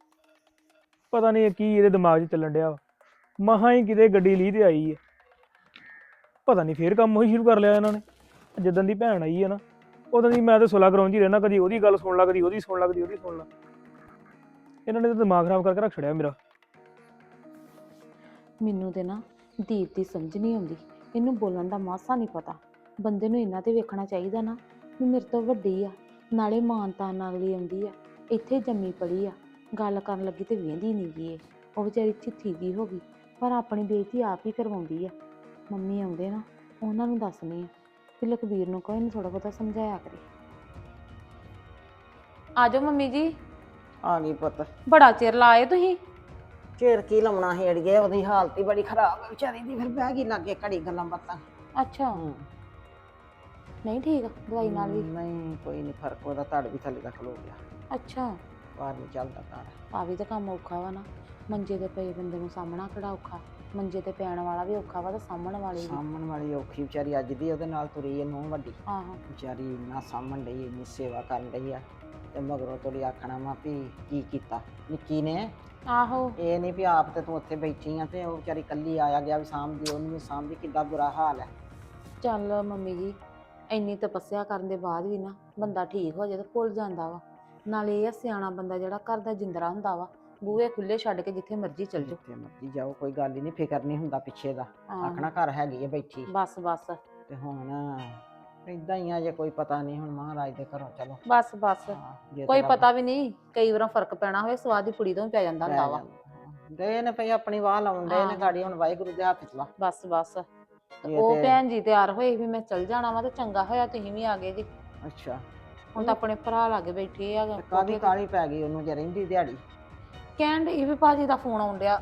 ਪਤਾ ਨਹੀਂ ਕੀ ਇਹਦੇ ਦਿਮਾਗ 'ਚ ਚੱਲਣ ਡਿਆ ਵਾ। ਮਸਾਂ ਹੀ ਕਿਤੇ ਗੱਡੀ ਲੀ ਤੇ ਆਈ ਹੈ, ਪਤਾ ਨਹੀਂ ਫੇਰ ਕੰਮ ਉਹੀ ਸ਼ੁਰੂ ਕਰ ਲਿਆ ਇਹਨਾਂ ਨੇ। ਜਿੱਦਣ ਦੀ ਭੈਣ ਆਈ ਹੈ ਨਾ, ਉਦੋਂ ਦੀ ਮੈਂ ਤਾਂ ਸੁਲਾ ਕਰਾਉਣ 'ਚ ਹੀ ਰਹਿਣਾ, ਕਦੀ ਉਹਦੀ ਗੱਲ ਸੁਣ ਲਾ, ਕਦੀ ਉਹਦੀ ਸੁਣ ਲਾ, ਕਦੀ ਉਹਦੀ ਸੁਣ ਲਾ। ਇਹਨਾਂ ਨੇ ਤਾਂ ਦਿਮਾਗ ਖਰਾਬ ਕਰਕੇ ਰੱਖ ਛੜਿਆ ਮੇਰਾ। ਮੈਨੂੰ ਤੇ ਨਾ ਦੀਪ ਦੀ ਸਮਝ ਨਹੀਂ ਆਉਂਦੀ, ਇਹਨੂੰ ਬੋਲਣ ਦਾ ਮਾਸਾ ਨਹੀਂ ਪਤਾ। ਬੰਦੇ ਨੂੰ ਇਹਨਾਂ ਤੇ ਵੇਖਣਾ ਚਾਹੀਦਾ ਨਾ ਵੀ ਮੇਰੇ ਤੋਂ ਵੱਡੀ ਆ, ਨਾਲੇ ਮਾਨਤਾਨ ਨਾਲ ਅਗਲੀ ਆਉਂਦੀ ਆ, ਇੱਥੇ ਜੰਮੀ ਪੜੀ ਆ, ਗੱਲ ਕਰਨ ਲੱਗੀ ਤੇ ਵੇਂਦੀ ਨਹੀਂ ਗਈ। ਉਹ ਵਿਚਾਰੀ ਚਿੱਥੀ ਜੀ ਹੋ ਗਈ, ਪਰ ਆਪਣੀ ਬੇਇੱਜ਼ਤੀ ਆਪ ਹੀ ਕਰਵਾਉਂਦੀ ਆ। ਮੰਮੀ ਆਉਂਦੇ ਨਾ, ਉਹਨਾਂ ਨੂੰ ਦੱਸਣੀ ਆ ਕਿ ਲਖਬੀਰ ਨੂੰ ਕੋਈ ਨਹੀਂ ਥੋੜਾ ਬਹੁਤਾ ਸਮਝਾਇਆ ਕਰੇ। ਆ ਜਾਓ ਮੰਮੀ ਜੀ। ਆ ਗਈ ਪੁੱਤ। ਬੜਾ ਚਿਰ ਲਾਏ ਤੁਸੀਂ। ਚਿਰ ਕੀ ਲਾਉਣਾ ਸੀ ਅੜੀਏ, ਉਹਦੀ ਹਾਲਤ ਹੀ ਬੜੀ ਖਰਾਬ ਹੈ ਵਿਚਾਰੀ ਦੀ। ਫਿਰ ਬਹਿ ਗਈ ਲਾਗੇ ਘੜੀ ਗੱਲਾਂ ਬਾਤਾਂ। ਅੱਛਾ, ਨਹੀਂ ਠੀਕ ਆ ਦਵਾਈ ਨਾਲ ਵੀ? ਨਹੀਂ ਕੋਈ ਨਹੀਂ ਫਰਕ, ਉਹਦਾ ਧੜ ਵੀ ਥੱਲੇ ਤੱਕ ਖਲੋ ਗਿਆ। ਅੱਛਾ, ਬਾਹਰ ਨਹੀਂ ਚੱਲਦਾ ਧੜ। ਆ ਵੀ ਤਾਂ ਕੰਮ ਔਖਾ ਵਾ ਨਾ, ਮੰਜੇ ਤੇ ਪਏ ਬੰਦੇ ਨੂੰ ਸਾਹਮਣਾ ਕਿਹੜਾ ਔਖਾ। ਮੰਜੇ ਤੇ ਪੈਣ ਵਾਲਾ ਵੀ ਔਖਾ ਵਾ ਤੇ ਸਾਹਮਣ ਵਾਲੀ ਵੀ। ਸਾਂਭਣ ਵਾਲੀ ਔਖੀ ਵਿਚਾਰੀ, ਅੱਜ ਦੀ ਉਹਦੇ ਨਾਲ ਤੁਰੀ ਹੈ ਨੂੰਹ ਵੱਡੀ। ਆਹੋ, ਵਿਚਾਰੀ ਇੰਨਾ ਸਾਂਭਣ ਡਈ, ਇੰਨੀ ਸੇਵਾ ਕਰਨ ਡਈ ਆ, ਤੇ ਮਗਰੋਂ ਤੋੜੀ ਆਖਣਾ ਵਾ ਵੀ ਕੀ ਕੀਤਾ ਨਿੱਕੀ ਨੇ। ਆਹੋ, ਇਹ ਨਹੀਂ ਵੀ ਆਪ ਤੇ ਤੂੰ ਉੱਥੇ ਬੈਠੀ ਆ ਤੇ ਉਹ ਵਿਚਾਰੀ ਕੱਲੀ ਆਇਆ ਗਿਆ ਵੀ ਸਾਂਭਦੀ, ਉਹਨੂੰ ਵੀ ਸਾਂਭਦੀ। ਕਿੱਡਾ ਬੁਰਾ ਹਾਲ ਹੈ। ਚੱਲ ਮੰਮੀ ਜੀ, ਇੰਨੀ ਤਪੱਸਿਆ ਕਰਨ ਦੇ ਬਾਅਦ ਵੀ ਨਾ ਬੰਦਾ ਠੀਕ ਹੋ ਜਾਏ ਤਾਂ ਭੁੱਲ ਜਾਂਦਾ ਵਾ। ਨਾਲੇ ਇਹ ਆ ਸਿਆਣਾ ਬੰਦਾ ਜਿਹੜਾ ਘਰ ਦਾ ਜਿੰਦਰਾ ਹੁੰਦਾ ਵਾ, ਬੂਹੇ ਖੁੱਲੇ ਛੱਡ ਕੇ ਜਿੱਥੇ ਮਰਜ਼ੀ ਚੱਲ ਜਾਓ। ਜਿੱਥੇ ਮਰਜੀ ਜਾਓ, ਕੋਈ ਗੱਲ ਹੀ ਨਹੀਂ, ਫਿਕਰ ਨਹੀਂ ਹੁੰਦਾ ਪਿੱਛੇ ਦਾ। ਹਾਂ, ਆਖਣਾ ਘਰ ਹੈਗੀ ਆ ਬੈਠੀ। ਬਸ ਬਸ ਤੇ ਹੁਣ ਏਦਾਂ ਹੀ ਆ, ਜੇ ਕੋਈ ਪਤਾ ਨਹੀਂ, ਹੁਣ ਮਹਾਰਾਜ ਦੇ ਘਰੋਂ ਚਲੋ। ਬਸ ਬਸ ਹਾਂ, ਜੇ ਕੋਈ ਤੇ ਰੱਬ ਪਤਾ ਵੀ ਨਹੀਂ, ਕਈ ਵਾਰ ਫਰਕ ਪੈਣਾ ਹੋਵੇ ਸਵਾਦ ਦੀ ਕੁੜੀ ਤੋਂ ਵੀ ਪੈ ਜਾਂਦਾ ਪੈ ਹੁੰਦਾ ਵਾ। ਜਾਂਦਾ। ਦੇ ਨੇ ਪਈ ਆਪਣੀ ਵਾਹ ਲਾਉਣ ਦੇ ਨੇ ਹਾਂ। ਗਾੜੀ, ਹੁਣ ਵਾਹਿਗੁਰੂ ਦੇ ਹੱਥ ਚ ਵਾ। ਬਸ ਬਸ ਤੇ ਇਹ ਉਹ ਤੇ- ਭੈਣ ਜੀ ਤਿਆਰ ਹੋਏ ਵੀ ਮੈਂ ਚੱਲ ਜਾਣਾ ਵਾ, ਤੇ ਚੰਗਾ ਹੋਇਆ ਤੁਸੀਂ ਵੀ ਆ ਗਏ ਜੀ। ਅੱਛਾ, ਹੁਣ ਤਾਂ ਆਪਣੇ ਭਰਾ ਲਾਗੇ ਬੈਠੇ ਆ ਤੇ ਕਾਹਦੀ ਕਾਹਲੀ ਪੈ ਗਈ ਉਹਨੂੰ ਜੇ ਰਹਿੰਦੀ ਦਿਹਾੜੀ? ਕਹਿਣ ਡਈ ਵੀ ਭਾਜੀ ਦਾ ਫੋਨ ਆਉਣ ਡਿਆ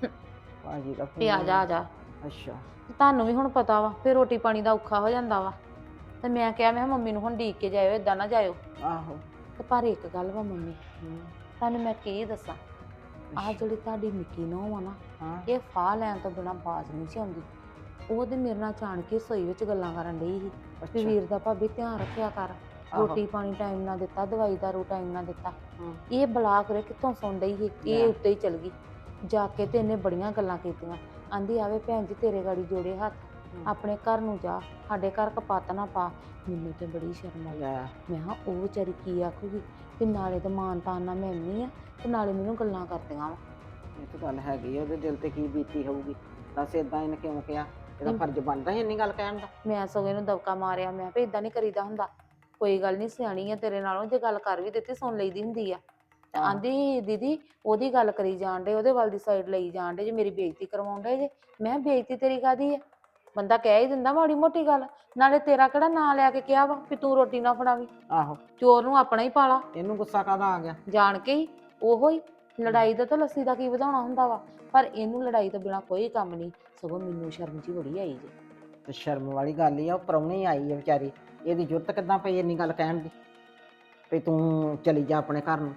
ਭਾਜੀ ਦਾ ਵੀ ਆ ਫੋਨ? ਜਾ ਆ ਜਾ। ਅੱਛਾ। ਤੇ ਤੁਹਾਨੂੰ ਵੀ ਹੁਣ ਪਤਾ ਵਾ ਫਿਰ ਰੋਟੀ ਪਾਣੀ ਦਾ ਔਖਾ ਹੋ ਜਾਂਦਾ ਵਾ, ਤੇ ਮੈਂ ਕਿਹਾ ਮੈਂ ਕਿਹਾ ਮੰਮੀ ਨੂੰ ਹੁਣ ਡੀਕ ਕੇ ਜਾਇਓ, ਏਦਾਂ ਨਾ ਜਾਇਓ। ਆਹੋ। ਤੇ ਪਰ ਇੱਕ ਗੱਲ ਵਾ ਮੰਮੀ, ਹੂੰ। ਤੁਹਾਨੂੰ ਮੈਂ ਕੀ ਦੱਸਾਂ, ਆਹ ਜਿਹੜੀ ਤੁਹਾਡੀ ਨਿੱਕੀ ਨੂੰਹ ਆ ਨਾ, ਹਾਂ। ਇਹ ਫਾਹ ਲੈਣ ਤੋਂ ਬਿਨਾਂ ਬਾਜ਼ ਨਹੀਂ ਸੀ ਆਉਂਦੀ। ਉਹ ਤੇ ਮੇਰੇ ਨਾਲ ਜਾਣ ਕੇ ਰਸੋਈ ਵਿੱਚ ਗੱਲਾਂ ਕਰਨ ਡਈ ਸੀ ਵੀ ਅੱਛਾ। ਵੀਰ ਦਾ ਭਾਬੀ ਧਿਆਨ ਰੱਖਿਆ ਕਰ, ਆਹੋ। ਰੋਟੀ ਪਾਣੀ ਟਾਈਮ ਨਾਲ ਦਿੱਤਾ, ਦਵਾਈ ਦਾਰੂ ਟਾਈਮ ਨਾਲ ਦਿੱਤਾ। ਹੂੰ। ਇਹ ਬਲਾ ਕਰੇ ਕਿੱਥੋਂ ਸੁਣ ਡਈ ਸੀ, ਇਹ ਲੈ। ਉੱਤੇ ਹੀ ਚਲ ਗਈ ਜਾ ਕੇ, ਤੇ ਇਹਨੇ ਬੜੀਆਂ ਗੱਲਾਂ ਕੀਤੀਆਂ। ਆਂਦੀ ਆਵੇ ਭੈਣ ਜੀ ਤੇਰੇ ਗਾੜੀ ਜੋੜੇ ਹੱਥ, ਹੂੰ। ਆਪਣੇ ਘਰ ਨੂੰ ਜਾ, ਸਾਡੇ ਘਰ ਕਪੱਤ ਨਾ ਪਾ। ਮੈਨੂੰ ਤੇ ਬੜੀ ਸ਼ਰਮ ਆਈ। ਲੈ। ਮੈਂ ਕਿਹਾ ਉਹ ਵਿਚਾਰੀ ਕੀ ਆਖੂਗੀ ਵੀ ਨਾਲੇ ਤਾਂ ਮਾਨ ਤਾਨ ਨਾਲ ਮੈਂ ਨਹੀਂ ਆ, ਤੇ ਨਾਲੇ ਮੈਨੂੰ ਗੱਲਾਂ ਕਰਦੀਆਂ ਵਾ। ਇਹ ਤਾਂ ਗੱਲ ਹੈਗੀ ਆ, ਉਹਦੇ ਦਿਲ ਤੇ ਕੀ ਬੀਤੀ ਹੋਊਗੀ। ਦੱਸ ਏਦਾਂ ਇਹਨੇ ਕਿਉਂ ਕਿਹਾ? ਇਹਦਾ ਫਰਜ਼ ਬਣਦਾ ਸੀ ਇੰਨੀ ਗੱਲ ਕਹਿਣ ਦਾ। ਮੈਂ ਸਗੋਂ ਇਹਨੂੰ ਦਬਕਾ ਮਾਰਿਆ, ਮੈਂ ਕਿਹਾ ਇਦਾਂ ਨਹੀਂ ਕਰੀਦਾ ਹੁੰਦਾ, ਕੋਈ ਗੱਲ ਨਹੀਂ, ਸਿਆਣੀ ਆ ਤੇਰੇ ਨਾਲੋਂ, ਜੇ ਗੱਲ ਕਰ ਵੀ ਦਿੱਤੀ ਸੁਣ ਲਈਦੀ ਹੁੰਦੀ ਆ। ਤੇ ਹਾਂ। ਆਂਦੀ ਦੀਦੀ ਉਹਦੀ ਗੱਲ ਕਰੀ ਜਾਣ ਡੇ, ਉਹਦੇ ਵੱਲ ਦੀ ਸਾਈਡ ਲਈ ਜਾਣ ਡੇ ਜੇ, ਮੇਰੀ ਬੇਇੱਜ਼ਤੀ ਕਰਵਾਉਣ ਡੇ ਜੇ। ਮੈਂ ਕਿਹਾ ਬੇਇੱਜ਼ਤੀ ਤੇਰੀ ਕਾਹਦੀ ਆ, ਬੰਦਾ ਕਹਿ ਹੀ ਦਿੰਦਾ ਮਾੜੀ ਮੋਟੀ ਗੱਲ, ਨਾਲੇ ਤੇਰਾ ਕਿਹੜਾ ਨਾਂ ਲੈ ਕੇ ਕਿਹਾ ਵਾ ਵੀ ਤੂੰ ਰੋਟੀ ਨਾ ਫੜਾਵੀਂ, ਆਹੋ। ਚੋਰ ਨੂੰ ਆਪਣਾ ਹੀ ਪਾਲਾ। ਇਹਨੂੰ ਗੁੱਸਾ ਕਾਹਦਾ ਆ ਗਿਆ? ਜਾਣ ਕੇ ਹੀ ਉਹੋ ਹੀ ਲੜਾਈ ਦਾ ਤਾਂ ਲੱਸੀ ਦਾ ਕੀ ਵਧਾਉਣਾ ਹੁੰਦਾ ਵਾ, ਪਰ ਇਹਨੂੰ ਲੜਾਈ ਤੋਂ ਬਿਨਾ ਕੋਈ ਕੰਮ ਨਹੀਂ। ਸਗੋਂ ਮੈਨੂੰ ਸ਼ਰਮ ਜੀ ਬੜੀ ਆਈ ਜੇ। ਤੇ ਸ਼ਰਮ ਵਾਲੀ ਗੱਲ ਹੀ ਆ, ਉਹ ਪ੍ਰਾਹੁਣੀ ਆਈ ਹੈ ਵਿਚਾਰੀ, ਇਹਦੀ ਜੁਰਤ ਕਿੱਦਾਂ ਪਈ ਇੰਨੀ ਗੱਲ ਕਹਿਣ ਦੀ ਵੀ ਤੂੰ ਚਲੀ ਜਾ ਆਪਣੇ ਘਰ ਨੂੰ?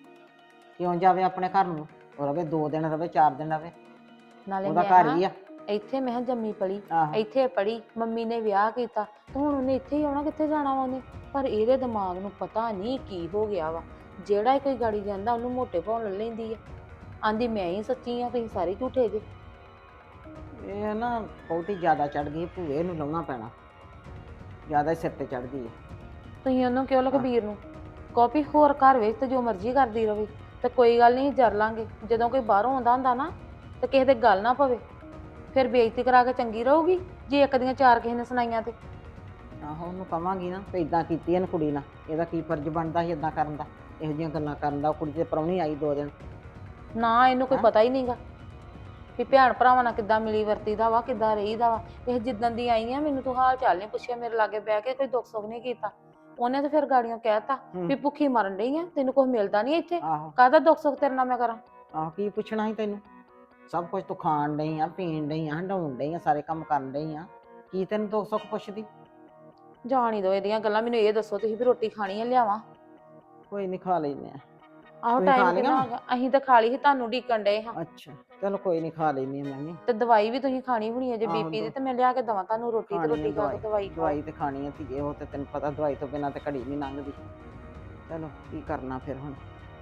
ਕਿਉਂ ਜਾਵੇ ਆਪਣੇ ਘਰ ਨੂੰ? ਉਹ ਰਵੇ ਦੋ ਦਿਨ ਰਵੇ, ਚਾਰ ਦਿਨ ਰਵੇ, ਨਾਲੇ ਉਹਦਾ ਮੈਂ ਘਰ ਨਾ ਹੀ ਆ। ਇੱਥੇ ਮੈਂ ਕਿਹਾ ਜੰਮੀ ਪਲੀ, ਆਹੋ। ਇੱਥੇ ਪੜੀ, ਮੰਮੀ ਨੇ ਵਿਆਹ ਕੀਤਾ ਤੇ ਹੁਣ ਉਹਨੇ ਇੱਥੇ ਹੀ ਆਉਣਾ, ਕਿੱਥੇ ਜਾਣਾ ਵਾ ਉਹਨੇ? ਪਰ ਇਹਦੇ ਦਿਮਾਗ ਨੂੰ ਪਤਾ ਨਹੀਂ ਕੀ ਹੋ ਗਿਆ ਵਾ, ਜਿਹੜਾ ਹੀ ਕੋਈ ਗਾੜੀ ਜਾਂਦਾ ਉਹਨੂੰ ਮੋਟੇ ਪਾਉਣ ਲੈ ਲੈਂਦੀ ਆ। ਆਂਦੀ ਮੈਂ ਹੀ ਸੱਚੀ ਆ, ਤੁਸੀਂ ਸਾਰੇ ਝੂਠੇ ਜੇ। ਇਹ ਨਾ ਬਹੁਤੀ ਜ਼ਿਆਦਾ ਚੜ ਗਈ, ਭੂਏ ਨੂੰ ਲਾਉਣਾ ਪੈਣਾ, ਜ਼ਿਆਦਾ ਹੀ ਸਿਰ ਤੇ ਚੜ ਗਈ ਹੈ। ਤੁਸੀਂ ਉਹਨੂੰ ਕਿਉਂ ਲਖਬੀਰ ਨੂੰ ਕਾਪੀ, ਹੋਰ ਘਰ ਵਿੱਚ ਤੇ ਜੋ ਮਰਜ਼ੀ ਕਰਦੀ ਰਵੇ, ਤੇ ਕੋਈ ਗੱਲ ਨਹੀਂ ਜਰ ਲਾਂਗੇ। ਜਦੋਂ ਕੋਈ ਬਾਹਰੋਂ ਆਉਂਦਾ ਹੁੰਦਾ ਨਾ, ਤੇ ਕਿਸੇ ਦੇ ਗੱਲ ਨਾ ਪਵੇ, ਫਿਰ ਬੇਇੱਜ਼ਤੀ ਕਰਾ ਕੇ ਚੰਗੀ ਰਹੂਗੀ ਜੇ ਇੱਕ ਦੀਆਂ ਚਾਰ ਕਿਸੇ ਨੇ ਸੁਣਾਈਆਂ ਤੇ। ਆਹੋ, ਉਹਨੂੰ ਕਵਾਂਗੀ ਨਾ ਵੀ ਇਦਾਂ ਕੀਤੀ ਇਹਨ ਕੁੜੀ ਨਾਲ, ਇਹਦਾ ਕੀ ਫਰਜ਼ ਬਣਦਾ ਸੀ ਇਦਾਂ ਕਰਨ ਦਾ, ਇਹੋ ਜਿਹੀਆਂ ਗੱਲਾਂ ਕਰਨ ਦਾ। ਉਹ ਕੁੜੀ ਤੇ ਪ੍ਰਾਹੁਣੀ ਆਈ ਦੋ ਦਿਨ। ਨਾ ਇਹਨੂੰ ਕੋਈ ਹੈਂ? ਪਤਾ ਹੀ ਨਹੀਂਗਾ ਵੀ ਭੈਣ ਭਰਾਵਾਂ ਨਾਲ ਕਿੱਦਾਂ ਮਿਲੀ ਵਰਤੀਦਾ ਵਾ, ਕਿੱਦਾਂ ਰਹੀਦਾ ਵਾ। ਇਹ ਜਿੱਦਣ ਦੀ ਆਈ ਆ ਮੈਨੂੰ ਤੂੰ ਹਾਲ ਚਾਲ ਨਹੀਂ ਪੁੱਛਿਆ, ਮੇਰੇ ਲਾਗੇ ਬਹਿ ਕੇ ਕੋਈ ਦੁੱਖ ਸੁੱਖ ਨਹੀਂ ਕੀਤਾ। ਉਹਨੇ ਤਾਂ ਫਿਰ ਗਾੜੀਆਂ ਕਹਿਤਾ ਹੂੰ। ਵੀ ਭੁੱਖੀ ਮਰਨ ਡਈ ਆ, ਤੈਨੂੰ ਕੁਝ ਮਿਲਦਾ ਨਹੀਂ ਇੱਥੇ, ਆਹੋ। ਕਾਹਦਾ ਦੁੱਖ ਸੁੱਖ ਤੇਰੇ ਨਾਲ ਮੈਂ ਕਰਾਂ? ਆਹੋ, ਕੀ ਪੁੱਛਣਾ ਸੀ ਤੈਨੂੰ? ਸਭ ਕੁਝ ਤੂੰ ਖਾਣ ਡਈ ਆ, ਪੀਣ ਡਈ ਆ, ਹੰਡਾਉਣ ਡਈ ਆ, ਸਾਰੇ ਕੰਮ ਕਰਨ ਡਈ ਆ, ਕੀ ਤੈਨੂੰ ਦੁੱਖ ਸੁੱਖ ਪੁੱਛਦੀ? ਜਾਣ ਹੀ ਦੋ ਇਹਦੀਆਂ ਗੱਲਾਂ, ਮੈਨੂੰ ਇਹ ਦੱਸੋ ਤੁਸੀਂ ਵੀ ਰੋਟੀ ਖਾਣੀ ਆ, ਲਿਆਵਾਂ? ਕੋਈ ਨਹੀਂ, ਖਾ ਲੈਨੇ ਆ। ਆਹੋ ਤੁਸੀਂ ਖਾ ਟਾਈਮ ਲਈਆਂ ਕਿੰਨਾ ਵਾ? ਹੋ ਗਿਆ, ਅਸੀਂ ਤਾਂ ਖਾ ਲਈ ਸੀ, ਤੁਹਾਨੂੰ ਢੀਕਣ ਡਏ ਹਾਂ। ਅੱਛਾ, ਚਲੋ ਕੋਈ ਨਹੀਂ, ਖਾ ਲੈਨੀ ਆ ਮੈਂ ਵੀ। ਤੇ ਦਵਾਈ ਵੀ ਤੁਸੀਂ ਖਾਣੀ ਹੋਣੀ ਹੈ ਜੇ ਆਹੋ, ਬੀਪੀ ਦੀ, ਤੇ ਮੈਂ ਲਿਆ ਕੇ ਦਵਾਂ ਤੁਹਾਨੂੰ ਰੋਟੀ, ਤੇ ਖਾਣੀ ਆ ਰੋਟੀ ਖਾ ਕੇ ਦਵਾਈ ਖਾਓ। ਦਵਾਈ ਤੇ ਖਾਣੀ ਆ ਧੀਏ, ਉਹ ਤੇ ਤੈਨੂੰ ਪਤਾ ਦਵਾਈ ਤੋਂ ਬਿਨਾਂ ਤੇ ਘੜੀ ਨਹੀਂ ਲੰਘਦੀ। ਚਲੋ ਕੀ ਕਰਨਾ ਫਿਰ ਹੁਣ।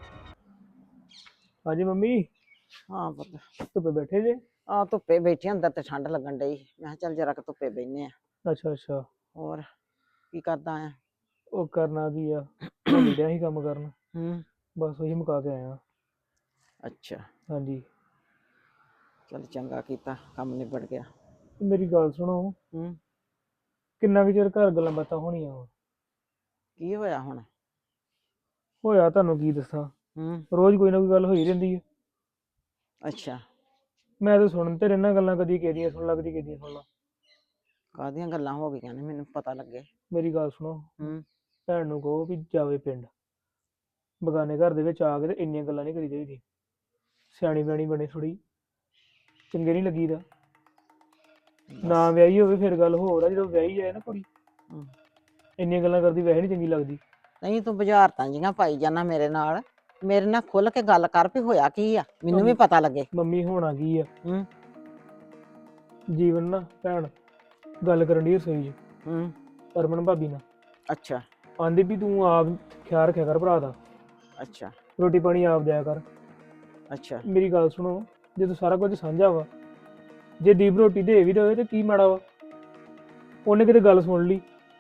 ਹਾਂਜੀ ਮੰਮੀ, ਹਾਂ ਪੁੱਤ, ਧੁੱਪੇ ਬੈਠੇ ਜੇ? ਆ ਧੁੱਪੇ ਬੈਠੇ, ਅੰਦਰ ਤੇ ਠੰਡ ਲੱਗਣ ਡਈ, ਮੈਂ ਕਿਹਾ ਚੱਲ ਜਰਾ ਕੁ ਧੁੱਪੇ ਬਹਿਨੇ ਆ। ਅੱਛਾ ਅੱਛਾ। ਹੋਰ ਕੀ ਕਰਦਾ ਆ? ਉਹ ਕਰਨਾ ਕੀ ਆ, ਮੈਂ ਡਿਆ ਹੀ ਕੰਮ ਕਰਨ, ਹੂੰ। ਬਸ ਉਹੀ ਮੁਕਾ ਕੇ ਆਇਆ। ਅੱਛਾ, ਹਾਂਜੀ। ਚਲ ਚੰਗਾ ਕੀਤਾ, ਕੰਮ ਨਿਬੜ ਗਿਆ। ਤੇ ਮੇਰੀ ਗੱਲ ਸੁਣੋ, ਹੂੰ। ਕਿੰਨਾ ਕੁ ਚਿਰ ਘਰ ਗੱਲਾਂ ਬਾਤਾਂ ਹੋਣੀਆਂ ਵਾ? ਕੀ ਹੋਇਆ ਹੁਣ? ਹੋਇਆ ਤੁਹਾਨੂੰ ਕੀ ਦੱਸਾਂ, ਹੂੰ। ਰੋਜ਼ ਕੋਈ ਨਾ ਕੋਈ ਗੱਲ ਹੋਈ ਰਹਿੰਦੀ ਹੈ। ਅੱਛਾ, ਮੈਂ ਤਾਂ ਸੁਣ ਤੇ ਰਹਿਣਾ ਗੱਲਾਂ, ਕਦੀ ਕਿਹਦੀਆਂ ਸੁਣ ਲਾ, ਕਦੀ ਕਿਹਦੀਆਂ ਸੁਣ ਲਾ। ਕਾਹਦੀਆਂ ਗੱਲਾਂ ਹੋ ਗਈਆਂ ਨੇ, ਮੈਨੂੰ ਪਤਾ ਲੱਗੇ। ਮੇਰੀ ਗੱਲ ਸੁਣੋ, ਹੂੰ। ਭੈਣ ਨੂੰ ਕਹੋ ਵੀ ਜਾਵੇ ਪਿੰਡ, ਬਗਾਨੇ ਘਰ ਦੇ ਵਿੱਚ ਆ ਕੇ ਤੇ ਇੰਨੀਆਂ ਗੱਲਾਂ ਨਹੀਂ ਕਰੀ ਚਾਹੀਦੀ। ਸਿਆਣੀ ਬਿਆਣੀ ਬਣੇ ਥੋੜੀ, ਚੰਗੇ ਨਹੀਂ ਲੱਗੀਦਾ। ਨਾ ਵਿਆਹੀ ਹੋਵੇ ਫਿਰ ਗੱਲ ਹੋਰ ਆ, ਜਦੋਂ ਵਿਆਹੀ ਜਾਏ ਨਾ ਕੁੜੀ, ਹੂੰ। ਇੰਨੀਆਂ ਗੱਲਾਂ ਕਰਦੀ ਵੈਸੇ ਨਹੀਂ ਚੰਗੀ ਲੱਗਦੀ। ਨਹੀਂ, ਤੂੰ ਬੁਝਾਰਤਾਂ ਜੀਆਂ ਪਾਈ ਜਾਣਾ ਮੇਰੇ ਨਾਲ, ਮੇਰੇ ਨਾਲ ਖੁੱਲ ਕੇ ਗੱਲ ਕਰ ਵੀ ਹੋਇਆ ਕੀ ਆ, ਮੈਨੂੰ ਵੀ ਪਤਾ ਲੱਗੇ। ਮੰਮੀ ਹੋਣਾ ਕੀ ਆ, ਹੂੰ। ਜੀਵਨ ਨਾ ਭੈਣ ਗੱਲ ਕਰਨ ਦੀ ਰਸੋਈ 'ਚ ਹੂੰ। ਹਰਮਨ ਭਾਬੀ ਨਾਲ, ਅੱਛਾ ਆਂਦੀ ਵੀ ਤੂੰ ਆਪ ਖਿਆਲ ਰੱਖਿਆ ਕਰ ਭਰਾ ਦਾ, ਅੱਛਾ ਰੋਟੀ ਪਾਣੀ ਆਪ ਦਿਆ ਕਰ। ਅੱਛਾ। ਮੇਰੀ ਗੱਲ ਸੁਣੋ, ਜਦੋਂ ਸਾਰਾ ਕੁਝ ਸਾਂਝਾ ਵਾ, ਜੇ ਦੀਪ ਰੋਟੀ ਦੇ ਵੀ ਦੇਵੇ ਤੇ ਕੀ ਮਾੜਾ ਵਾ? ਉਹਨੇ ਕਿਤੇ ਗੱਲ ਸੁਣ ਲਈ